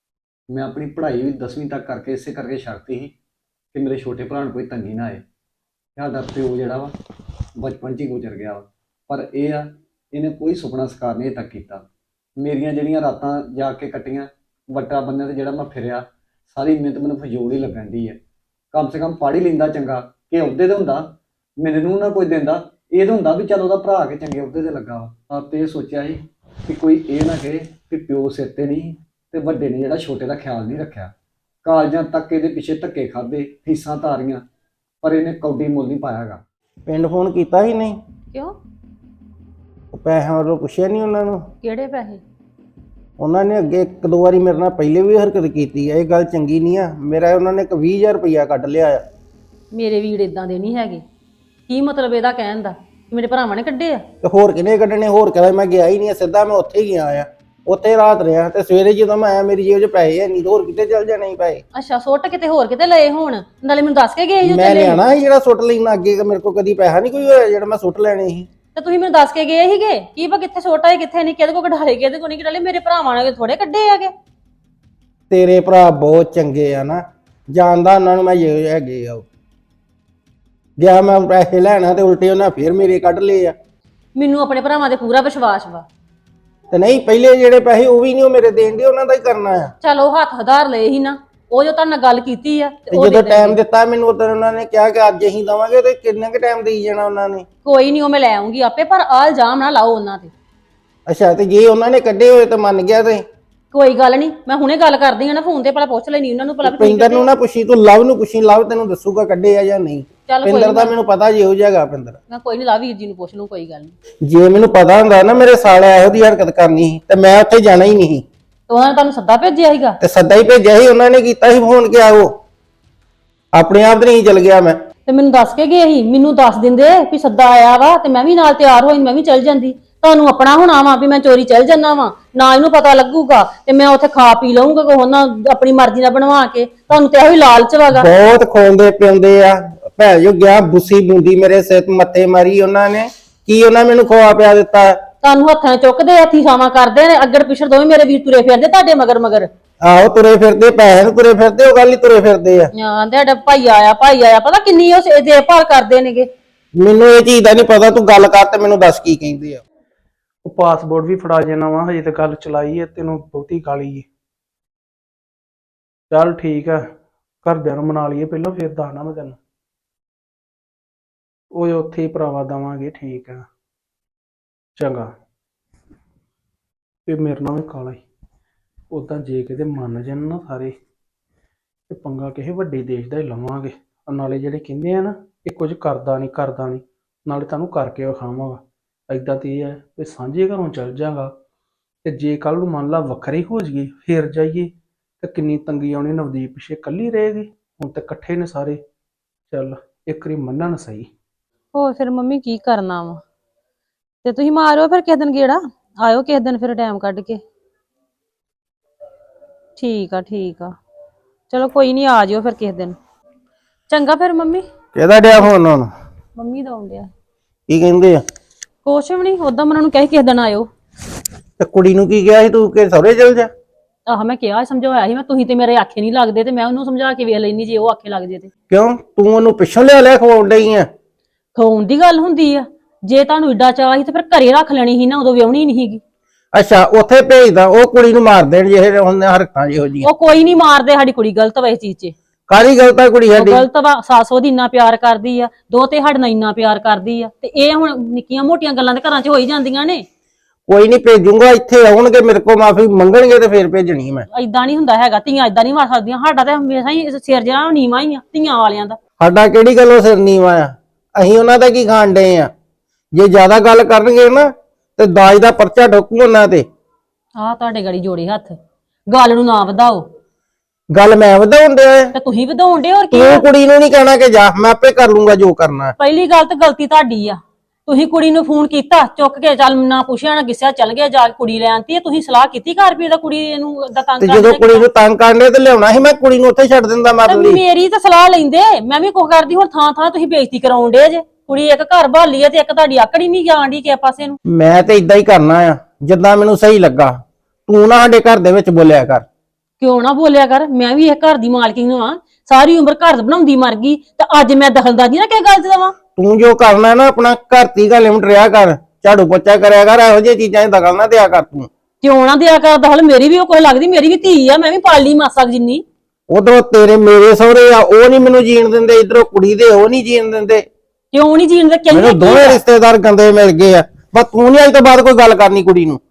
Speaker 4: ਮੈਂ ਆਪਣੀ ਪੜ੍ਹਾਈ ਵੀ 10ਵੀਂ ਤੱਕ ਕਰਕੇ ਇਸੇ ਕਰਕੇ ਛੱਡਤੀ ਸੀ ਕਿ ਮੇਰੇ ਛੋਟੇ ਭਰਾ ਨੂੰ ਕੋਈ ਤੰਗੀ ਨਾ ਆਏ। ਸਾਡਾ ਪਿਓ ਜਿਹੜਾ ਵਾ ਬਚਪਨ 'ਚ ਹੀ ਗੁਜ਼ਰ ਗਿਆ ਵਾ, ਪਰ ਇਹ ਆ ਇਹਨੇ ਕੋਈ ਸੁਪਨਾ ਸਾਕਾਰ ਨਹੀਂ ਤੱਕ ਕੀਤਾ। ਮੇਰੀਆਂ ਜਿਹੜੀਆਂ ਰਾਤਾਂ ਜਾ ਕੇ ਕੱਟੀਆਂ ਵੱਟਾ ਬੰਨਿਆਂ ਤੇ ਜਿਹੜਾ ਮੈਂ ਫਿਰਿਆ, ਸਾਰੀ ਮਿਹਨਤ ਮੈਨੂੰ ਫਜ਼ੂਲ ਹੀ ਲੱਗਣ ਦੀ ਹੈ। ਕਮ ਸੇ ਕਮ ਪੜ੍ਹ ਹੀ ਲੈਂਦਾ ਚੰਗਾ ਕਿ ਅਹੁਦੇ ਤੇ ਹੁੰਦਾ, ਮੈਨੂੰ ਨਾ ਕੋਈ ਦਿੰਦਾ। ਇਹ ਤਾਂ ਹੁੰਦਾ ਵੀ ਚੱਲ ਉਹਦਾ ਭਰਾ ਕੇ ਚੰਗੇ ਅਹੁਦੇ ਤੇ ਲੱਗਾ ਵਾ। ਆਪ ਤੇ ਇਹ ਸੋਚਿਆ ਸੀ ਕਿ ਕੋਈ ਇਹ ਨਾ ਕਹੇ ਕਿ ਪਿਓ ਸਿਰ ਤੇ ਨਹੀਂ ਤੇ ਵੱਡੇ ਨੇ ਜਿਹੜਾ ਛੋਟੇ ਦਾ ਖਿਆਲ ਨਹੀਂ ਰੱਖਿਆ। ਕਾਲਜਾਂ ਤੱਕ ਇਹਦੇ ਪਿੱਛੇ ਧੱਕੇ ਖਾਦੇ, ਫੀਸਾਂ ਤਾਰੀਆਂ, ਪਰ ਇਹਨੇ ਕੌਡੀ ਮੁੱਲ ਨਹੀਂ ਪਾਇਆ ਹੈਗਾ।
Speaker 1: ਪਿੰਡ ਫੋਨ ਕੀਤਾ ਹੀ ਨਹੀਂ?
Speaker 2: ਕਿਉਂ?
Speaker 1: ਉਹ ਪੈਸਿਆਂ ਵੱਲੋਂ ਪੁੱਛਿਆ ਨਹੀਂ ਉਹਨਾਂ ਨੂੰ?
Speaker 2: ਕਿਹੜੇ ਪੈਸੇ?
Speaker 1: ਉਹਨਾਂ ਨੇ ਅੱਗੇ 1-2 ਵਾਰੀ ਮੇਰੇ ਨਾਲ ਪਹਿਲੇ ਵੀ ਹਰਕਤ ਕੀਤੀ ਆ। ਇਹ ਗੱਲ ਚੰਗੀ ਨਹੀਂ ਆ। ਮੇਰਾ ਉਹਨਾਂ ਨੇ 20,000 ਰੁਪਇਆ ਕੱਢ ਲਿਆ ਆ।
Speaker 2: ਮੇਰੇ ਵੀਰ ਇਦਾਂ ਦੇ ਨਹੀਂ ਹੈਗੇ। ਕੀ ਮਤਲਬ ਇਹਦਾ ਕਹਿਣ ਦਾ? ਮੇਰੇ ਭਰਾਵਾਂ ਨੇ ਕੱਢੇ ਆ?
Speaker 1: ਤੇ ਹੋਰ ਕਿਹਨੇ ਕੱਢਣੇ? ਹੋਰ ਕਹਿੰਦਾ ਮੈਂ ਗਿਆ ਹੀ ਨਹੀਂ, ਸਿੱਧਾ ਮੈਂ ਉੱਥੇ ਹੀ ਗਿਆ ਆ। ਉੱਥੇ ਰਾਤ ਰਿਹਾ ਤੇ ਸਵੇਰੇ ਜਦੋਂ ਮੈਂ ਆਇਆ ਮੇਰੀ ਜੇਬ 'ਚ ਪੈਸੇ ਹੈ ਨਹੀਂ, ਹੋਰ ਕਿਤੇ ਚੱਲ ਜਾਣੇ ਸੀ ਪੈਸੇ।
Speaker 2: ਅੱਛਾ, ਸੁੱਟ ਕਿਤੇ ਹੋਰ ਕਿਤੇ ਲਏ ਹੋਣ। ਨਾਲੇ ਮੈਨੂੰ ਦੱਸ ਕੇ ਗਏ ਜੋ
Speaker 1: ਮੈਂ
Speaker 2: ਚੱਲੇ।
Speaker 1: ਲਿਆਣਾ ਸੀ ਜਿਹੜਾ ਸੁੱਟ ਲੈਣਾ ਅੱਗੇ, ਮੇਰੇ ਕੋਲ ਕਦੀ ਪੈਸਾ ਨਹੀਂ ਕੋਈ ਹੋਇਆ ਜਿਹੜਾ ਮੈਂ ਸੁੱਟ ਲੈਣੇ ਸੀ।
Speaker 2: ਤੇ ਤੁਸੀਂ ਮੈਨੂੰ ਦੱਸ ਕੇ ਗਏ ਸੀਗੇ ਕੀ ਪਾ ਕਿੱਥੇ ਛੋਟਾ ਹੈ ਕਿੱਥੇ ਨਹੀਂ, ਕਿਹਦੇ ਕੋ ਕਢਾਲੇ ਕਿਹਦੇ ਕੋ ਨਹੀਂ ਕਢਾਲੇ। ਮੇਰੇ ਭਰਾਵਾਂ ਨੇ ਥੋੜੇ ਕੱਢੇ ਹੈਗੇ।
Speaker 1: ਤੇਰੇ ਭਰਾ ਬਹੁਤ ਚੰਗੇ ਆ ਨਾ, ਜਾਣਦਾ ਉਹਨਾਂ ਨੂੰ ਮੈਂ ਜੇ ਹੈਗੇ ਆ। ਗਿਆ ਮੈਂ ਪੈਸੇ ਲੈਣਾ ਤੇ ਉਲਟੇ ਉਹਨਾਂ ਫੇਰ ਮੇਰੇ ਕੱਢ ਲਏ ਆ।
Speaker 2: ਮੈਨੂੰ ਆਪਣੇ ਭਰਾਵਾਂ ਤੇ ਪੂਰਾ ਵਿਸ਼ਵਾਸ ਵਾ।
Speaker 1: ਤੇ ਨਹੀਂ ਪਹਿਲੇ ਜਿਹੜੇ ਪੈਸੇ ਉਹ ਵੀ ਨਹੀਂ ਉਹ ਮੇਰੇ ਦੇਣ ਦੇ, ਉਹਨਾਂ ਦਾ ਹੀ ਕਰਨਾ ਆ।
Speaker 2: ਚਲ ਉਹ ਹੱਥ ਹਧਾਰ ਲਏ ਸੀ ਨਾ, ਉਹ ਜੋ ਤੁਹਾਡੇ ਨਾਲ ਗੱਲ ਕੀਤੀ ਆ
Speaker 1: ਤੇ ਜਦੋਂ ਟਾਈਮ ਦਿੱਤਾ ਮੈਨੂੰ ਉਦੋਂ ਉਹਨਾਂ ਨੇ ਕਿਹਾ ਕਿ ਅੱਜ ਅਸੀਂ ਦਵਾਂਗੇ, ਤੇ ਕਿੰਨਾ ਕੁ ਟਾਈਮ ਦੇਈ ਜਾਣਾ ਉਹਨਾਂ ਨੇ।
Speaker 2: ਕੋਈ ਨਹੀਂ ਉਹ ਮੈਂ ਲੈ ਆਉਂਗੀ ਆਪੇ, ਪਰ ਆ ਇਲਜ਼ਾਮ ਨਾ ਲਾਓ ਉਹਨਾਂ ਤੇ।
Speaker 1: ਅੱਛਾ, ਤੇ ਜੇ ਉਹਨਾਂ ਨੇ ਕੱਢੇ ਹੋਏ ਤਾਂ ਮੰਨ ਗਿਆ ਤੇ
Speaker 2: ਕੋਈ ਗੱਲ ਨਹੀਂ, ਮੈਂ ਹੁਣੇ ਗੱਲ ਕਰਦੀ ਹਾਂ ਨਾ ਫੋਨ ਤੇ, ਪਹਿਲਾਂ ਪੁੱਛ ਲੈਣੀ ਉਹਨਾਂ ਨੂੰ ਭਲਾ ਵੀ ਤੁਸੀਂ
Speaker 1: ਪਿੰਦਰ ਨੂੰ ਨਾ ਪੁੱਛੀ, ਤੂੰ ਲਵ ਨੂੰ ਪੁੱਛੀ, ਲਵ ਤੈਨੂੰ ਦੱਸੂਗਾ ਕੱਢੇ ਆ ਜਾਂ ਨਹੀਂ।
Speaker 2: ਚੱਲ ਕੋਈ
Speaker 1: ਪਿੰਦਰ ਦਾ ਮੈਨੂੰ ਪਤਾ ਜੇ ਹੋ ਜਾਏਗਾ ਪਿੰਦਰ।
Speaker 2: ਮੈਂ ਕੋਈ ਨਹੀਂ ਲਾ ਵੀਰ ਜੀ ਨੂੰ ਪੁੱਛ ਲੂੰ, ਕੋਈ ਗੱਲ ਨਹੀਂ।
Speaker 1: ਜੇ ਮੈਨੂੰ ਪਤਾ ਹੁੰਦਾ ਨਾ ਮੇਰੇ ਸਾਲੇ ਇਹੋ ਜਿਹੀ ਹਰਕਤ ਕਰਨੀ ਸੀ ਤੇ ਮੈਂ ਉੱਥੇ ਜਾਣਾ ਹੀ ਨਹੀਂ।
Speaker 2: ਤੇ ਉਹਨਾਂ ਨੇ ਤੁਹਾਨੂੰ ਸੱਦਾ ਭੇਜਿਆ ਸੀਗਾ?
Speaker 1: ਤੇ ਸੱਦਾ ਹੀ ਭੇਜਿਆ ਸੀ, ਉਹਨਾਂ ਨੇ ਕੀਤਾ ਸੀ ਫੋਨ ਕਿ ਆਓ, ਆਪਣੇ ਆਪ ਨਹੀਂ ਚਲ ਗਿਆ ਮੈਂ।
Speaker 2: ਤੇ ਮੈਨੂੰ ਦੱਸ ਕੇ ਗਏ ਸੀ, ਮੈਨੂੰ ਦੱਸ ਦਿੰਦੇ ਵੀ ਸੱਦਾ ਆਇਆ ਵਾ ਤੇ ਮੈਂ ਵੀ ਨਾਲ ਤਿਆਰ ਹੋਈ, ਮੈਂ ਵੀ ਚੱਲ ਜਾਂਦੀ। ਤੁਹਾਨੂੰ ਆਪਣਾ ਹੋਣਾ ਵਾ ਵੀ ਮੈਂ ਚੋਰੀ ਚੱਲ ਜੰਨਾ ਵਾ, ਨਾ ਇਹਨੂੰ ਪਤਾ ਲੱਗੂਗਾ ਤੇ ਮੈਂ ਉੱਥੇ ਖਾ ਪੀ ਲਊਂਗਾ ਕੋ ਨਾ ਆਪਣੀ ਮਰਜ਼ੀ ਨਾਲ ਬਣਵਾ ਕੇ। ਤੁਹਾਨੂੰ ਤੇ ਇਹੋ ਹੀ ਲਾਲਚ ਵਾਗਾ।
Speaker 1: ਬਹੁਤ ਖੋਂਦੇ ਪਿਉਂਦੇ ਆ ਭੈ ਜੋ ਗਿਆ ਬੁੱਸੀ ਬੂੰਦੀ ਮੇਰੇ ਸਿਰ ਮੱਥੇ ਮਾਰੀ ਉਹਨਾਂ ਨੇ। ਕੀ ਉਹਨਾਂ ਮੈਨੂੰ ਖਵਾ ਪਿਆ ਦਿੱਤਾ?
Speaker 2: ਤੁਹਾਨੂੰ ਹੱਥਾਂ ਚੁੱਕਦੇ ਹੱਥੀ ਛਾਵਾਂ ਕਰਦੇ ਨੇ, ਅੱਗੜ ਪਿਛੜ ਦੋਵੇਂ ਮੇਰੇ ਵੀਰ ਤੁਰੇ ਫਿਰਦੇ ਤੁਹਾਡੇ ਮਗਰ ਮਗਰ।
Speaker 1: ਆਹੋ ਤੁਰੇ ਫਿਰਦੇ, ਪੈਸੇ ਨੂੰ ਤੁਰੇ ਫਿਰਦੇ, ਉਹ ਗੱਲ ਹੀ ਤੁਰੇ ਫਿਰਦੇ ਆ।
Speaker 2: ਆਂਦੇ ਸਾਡਾ ਭਾਈ ਆਇਆ ਭਾਈ ਆਇਆ, ਪਤਾ ਕਿੰਨੀ ਉਹ ਦੇਖਭਾਲ ਕਰਦੇ ਨੇਗੇ।
Speaker 1: ਮੈਨੂੰ ਇਹ ਚੀਜ਼ ਦਾ ਨਹੀਂ ਪਤਾ, ਤੂੰ ਗੱਲ ਕਰ ਤੇ ਮੈਨੂੰ ਦੱਸ ਕੀ ਕਹਿੰਦੇ ਆ।
Speaker 3: ਉਹ ਪਾਸਪੋਰਟ ਵੀ ਫੜਾ ਜਾਣਾ ਵਾ, ਹਜੇ ਤੇ ਗੱਲ ਚਲਾਈ ਹੈ, ਤੈਨੂੰ ਬਹੁਤੀ ਗਾਲੀ ਹੈ। ਚੱਲ ਠੀਕ ਆ, ਘਰਦਿਆਂ ਨੂੰ ਮਨਾ ਲਈਏ ਪਹਿਲਾਂ, ਫਿਰ ਦੱਸਣਾ ਮੈਂ ਤੈਨੂੰ। ਉਹ ਉੱਥੇ ਹੀ ਭਰਾਵਾ ਦੇਵਾਂਗੇ, ਠੀਕ ਆ ਚੰਗਾ। ਤੇ ਮੇਰੇ ਨਾਲ ਵੀ ਕਾਲਾ ਹੀ ਉਦਾਂ ਜੇ ਕਿਤੇ ਮੰਨ ਜਾਣ ਨਾ ਸਾਰੇ, ਤੇ ਪੰਗਾ ਕਿਸੇ ਵੱਡੇ ਦੇਸ਼ ਦਾ ਹੀ ਲਵਾਂਗੇ। ਨਾਲੇ ਜਿਹੜੇ ਕਹਿੰਦੇ ਆ ਨਾ ਇਹ ਕੁਝ ਕਰਦਾ ਨਹੀਂ ਕਰਦਾ ਨਹੀਂ, ਨਾਲੇ ਤੁਹਾਨੂੰ ਕਰਕੇ ਵਿਖਾਵਾਂਗਾ। ਏਦਾਂ ਤੇ ਇਹ ਹੈ ਵੀ ਸਾਂਝੇ ਘਰੋਂ ਚੱਲ ਜਾਗਾ, ਤੇ ਜੇ ਕੱਲ ਨੂੰ ਮੰਨ ਲਾ ਵੱਖਰੇ ਹੋ ਜਾਈਏ ਫੇਰ ਜਾਈਏ ਤੇ ਕਿੰਨੀ ਤੰਗੀ ਆਉਣੀ। ਨਵਦੀਪ ਪਿੱਛੇ ਇਕੱਲੀ ਰਹੇਗੀ, ਹੁਣ ਤੇ ਇਕੱਠੇ ਨੇ ਸਾਰੇ। ਚੱਲ ਇੱਕ ਵਾਰੀ ਮੰਨਣ ਸਹੀ।
Speaker 2: ਹੋਰ ਫਿਰ ਮੰਮੀ ਕੀ ਕਰਨਾ ਵਾ, ਤੇ ਤੁਸੀਂ ਮਾਰਿਓ ਫਿਰ ਕਿਸੇ ਦਿਨ ਗੇੜਾ, ਆਇਓ ਕਿਸੇ ਦਿਨ ਫਿਰ ਟਾਈਮ ਕੱਢ ਕੇ। ਠੀਕ ਆ ਠੀਕ ਆ, ਚਲੋ ਕੋਈ ਨਹੀਂ ਆ ਜਿਓ ਫਿਰ ਕਿਸੇ ਦਿਨ। ਚੰਗਾ ਫਿਰ ਮੰਮੀ।
Speaker 1: ਕਿਹਦਾ ਡਿਆ ਫੋਨ ਹੁਣ?
Speaker 2: ਮੰਮੀ ਦਾ ਆਉਂਦਿਆ।
Speaker 1: ਕੀ ਕਹਿੰਦੇ ਆ?
Speaker 2: ਕੁਛ ਵੀ ਨਹੀਂ, ਉਦਾਂ ਮੈਂ ਉਹਨਾਂ ਨੂੰ ਕਹੀ ਕਿਸੇ ਦਿਨ ਆਇਓ।
Speaker 1: ਤੇ ਕੁੜੀ ਨੂੰ ਕੀ ਕਿਹਾ ਸੀ ਤੂੰ ਕਿ ਸਹੁਰੇ ਚਲ ਜਾ?
Speaker 2: ਆਹ ਮੈਂ ਕਿਹਾ ਸਮਝਾਇਆ ਸੀ ਮੈਂ, ਤੁਸੀਂ ਤੇ ਮੇਰੇ ਆਖੇ ਨਹੀਂ ਲੱਗਦੇ, ਤੇ ਮੈਂ ਉਹਨੂੰ ਸਮਝਾ ਕੇ ਵੇਖ ਲੈਣੀ ਜੇ ਉਹ ਆਖੇ ਲੱਗ ਜੇ ਤੇ।
Speaker 1: ਕਿਉਂ ਤੂੰ ਉਹਨੂੰ ਪਿੱਛੋਂ ਲਿਆ ਖਵਾਉਣ ਡਈ ਆ?
Speaker 2: ਖਵਾਉਣ ਦੀ ਗੱਲ ਹੁੰਦੀ ਆ, ਜੇ ਤੁਹਾਨੂੰ ਏਡਾ ਚਾਹ ਸੀ ਤੇ ਫਿਰ ਘਰੇ ਰੱਖ ਲੈਣੀ ਸੀ ਨਾ, ਉਦੋਂ ਵਿਆਹਣੀ ਨਹੀਂ ਸੀਗੀ।
Speaker 1: ਅੱਛਾ ਉੱਥੇ ਭੇਜਦਾ, ਉਹ ਕੁੜੀ ਨੂੰ ਮਾਰ ਦੇਣ ਜੇ ਹੁਣ ਹਰਕਤਾਂ ਜਿਹੋ ਜੀਆਂ।
Speaker 2: ਉਹ ਕੋਈ ਨਹੀਂ ਮਾਰਦੇ, ਸਾਡੀ ਕੁੜੀ ਗਲਤ ਵਾ ਇਸ ਚੀਜ਼ 'ਚ।
Speaker 1: ਕਾਹਦੀ ਗਲਤ ਆ ਕੁੜੀ ਸਾਡੀ?
Speaker 2: ਗਲਤ ਵਾ, ਸੱਸ ਉਹਦੀ ਇੰਨਾ ਪਿਆਰ ਕਰਦੀ ਆ, ਦੋ ਤੇ ਸਾਡੇ ਨਾਲ ਇੰਨਾ ਪਿਆਰ ਕਰਦੀ ਆ, ਤੇ ਇਹ ਹੁਣ ਨਿੱਕੀਆਂ ਮੋਟੀਆਂ ਗੱਲਾਂ ਤੇ ਘਰਾਂ 'ਚ ਹੋ ਹੀ ਜਾਂਦੀਆਂ ਨੇ।
Speaker 1: ਕੋਈ ਨਹੀਂ ਭੇਜੂਗਾ, ਇੱਥੇ ਆਉਣਗੇ ਮੇਰੇ ਕੋਲ ਮਾਫੀ ਮੰਗਣਗੇ ਤੇ ਫੇਰ ਭੇਜਣੀ ਮੈਂ।
Speaker 2: ਏਦਾਂ ਨਹੀਂ ਹੁੰਦਾ ਹੈਗਾ, ਧੀਆਂ ਏਦਾਂ ਨਹੀਂ ਮਾਰ ਸਕਦੀਆਂ। ਸਾਡਾ ਤੇ ਹਮੇਸ਼ਾ ਹੀ ਸਿਰ ਜਿਹੜਾ ਨੀਵਾਂ ਹੀ ਆ ਧੀਆਂ ਵਾਲਿਆਂ ਦਾ।
Speaker 1: ਸਾਡਾ ਕਿਹੜੀ ਗੱਲੋਂ ਸਿਰ ਨੀਵਾਂ ਆ? ਅਸੀਂ ਉਹਨਾਂ ਦਾ ਕੀ ਖਾਣ ਡਏ ਆ? ਜੇ ਜ਼ਿਆਦਾ ਗੱਲ ਕਰਨਗੇ ਨਾ ਤੇ ਦਾਜ ਦਾ ਪਰਚਾ ਠੋਕੂ ਉਹਨਾਂ ਤੇ।
Speaker 2: ਆਹ ਤੁਹਾਡੇ ਗੜੀ ਜੋੜੇ ਹੱਥ, ਗੱਲ ਨੂੰ ਨਾ ਵਧਾਓ।
Speaker 1: ਗੱਲ ਮੈਂ ਵਧਾਉਣ ਡਿਆ?
Speaker 2: ਤੇ ਤੁਸੀਂ ਵਧਾਉਣ ਡੇ, ਹੋਰ ਕੀ?
Speaker 1: ਤੂੰ ਕੁੜੀ ਨੂੰ ਨਹੀਂ ਕਹਿਣਾ ਕਿ ਜਾ, ਮੈਂ ਆਪੇ ਕਰ ਲੂੰਗਾ ਜੋ ਕਰਨਾ।
Speaker 2: ਪਹਿਲੀ ਗੱਲ ਤਾਂ ਗਲਤੀ ਤੁਹਾਡੀ ਆ, ਤੁਸੀਂ ਕੁੜੀ ਨੂੰ ਫੋਨ ਕੀਤਾ ਚੁੱਕ ਕੇ, ਚੱਲ ਨਾ ਪੁੱਛਿਆ ਨਾ ਗਿੱਸਿਆ ਚੱਲ ਗਿਆ, ਜਾ ਕੇ ਕੁੜੀ ਲੈ ਆਂਤੀ ਆ। ਤੁਸੀਂ ਸਲਾਹ ਕੀਤੀ ਘਰ ਵੀ ਇਹਦਾ ਕੁੜੀ ਨੂੰ ਏਦਾਂ ਤੰਗ
Speaker 1: ਤੇ ਜਦੋਂ ਕੁੜੀ ਨੂੰ ਤੰਗ ਕਰਨੇ ਤੇ ਲਿਆਉਣਾ ਸੀ, ਮੈਂ ਕੁੜੀ ਨੂੰ ਉੱਥੇ ਛੱਡ ਦਿੰਦਾ ਮਾਰਨ ਲਈ।
Speaker 2: ਮੇਰੀ ਤਾਂ ਸਲਾਹ ਲੈਂਦੇ, ਮੈਂ ਵੀ ਕੁਝ ਕਰਦੀ। ਹੁਣ ਥਾਂ ਥਾਂ ਤੁਸੀਂ ਬੇਇੱਜ਼ਤੀ ਕਰਾਉਣ ਡੇ ਜੇ। ਕੁੜੀ ਇੱਕ ਘਰ ਭਾਲੀ ਆ ਤੇ ਇੱਕ ਤੁਹਾਡੀ ਆਕੜੀ ਨਹੀਂ ਜਾਣ ਦੀ ਕਿਸੇ ਪਾਸੇ ਨੂੰ।
Speaker 1: ਮੈਂ ਤੇ ਇਦਾਂ ਹੀ ਕਰਨਾ ਆ ਜਿੱਦਾਂ ਮੈਨੂੰ ਸਹੀ ਲੱਗਾ। ਤੂੰ ਨਾ ਸਾਡੇ ਘਰ ਦੇ ਵਿੱਚ ਬੋਲਿਆ ਕਰ।
Speaker 2: ਕਿਉਂ ਨਾ ਬੋਲਿਆ ਕਰ, ਮੈਂ ਵੀ ਇਹ ਘਰ ਦੀ ਮਾਲਕਿਨ ਹਾਂ। ਸਾਰੀ ਉਮਰ ਘਰ ਬਣਾਉਂਦੀ ਮਰ ਗਈ, ਤੇ ਅੱਜ ਮੈਂ ਦਖਲਅੰਦਾਜ਼ੀ ਨਾ ਕਿਸੇ ਗੱਲ 'ਚ ਦੇਵਾਂ।
Speaker 1: ਤੂੰ ਜੋ ਕਰਨਾ ਨਾ ਆਪਣਾ ਘਰ ਦੀ ਗੱਲ ਲਿਮਟ ਰਿਆ ਕਰ, ਝਾੜੂ ਪੋਚਾ ਕਰਿਆ ਕਰ, ਇਹੋ ਜਿਹੀ ਚੀਜ਼ਾਂ 'ਚ ਦਖਲ ਨਾ ਦਿਆ ਕਰ ਤੂੰ।
Speaker 2: ਕਿਉਂ ਨਾ ਦਿਆ ਕਰ ਦਖਲ? ਮੇਰੀ ਵੀ ਉਹ ਕੋਈ ਲੱਗਦੀ, ਮੇਰੀ ਵੀ ਧੀ ਆ, ਮੈਂ ਵੀ ਪਾਲ ਲਈ ਮਾਸਾ ਜਿੰਨੀ।
Speaker 1: ਉਧਰੋਂ ਤੇਰੇ ਮੇਰੇ ਸਹੁਰੇ ਆ, ਉਹ ਨਹੀਂ ਮੈਨੂੰ ਜੀਣ ਦਿੰਦੇ, ਇਧਰੋਂ ਕੁੜੀ ਦੇ ਉਹ ਨਹੀਂ ਜੀਣ ਦਿੰਦੇ।
Speaker 2: ਕਿਉਂ ਨਹੀਂ ਜੀਣ ਦੇ?
Speaker 1: ਮੈਨੂੰ ਦੋਵੇਂ ਰਿਸ਼ਤੇਦਾਰ ਗੰਦੇ ਮਿਲ ਗਏ ਆ। ਬਸ ਤੂੰ ਨਹੀਂ ਅੱਜ ਤੋਂ ਬਾਅਦ ਕੋਈ ਗੱਲ ਕਰਨੀ ਕੁੜੀ ਨੂੰ।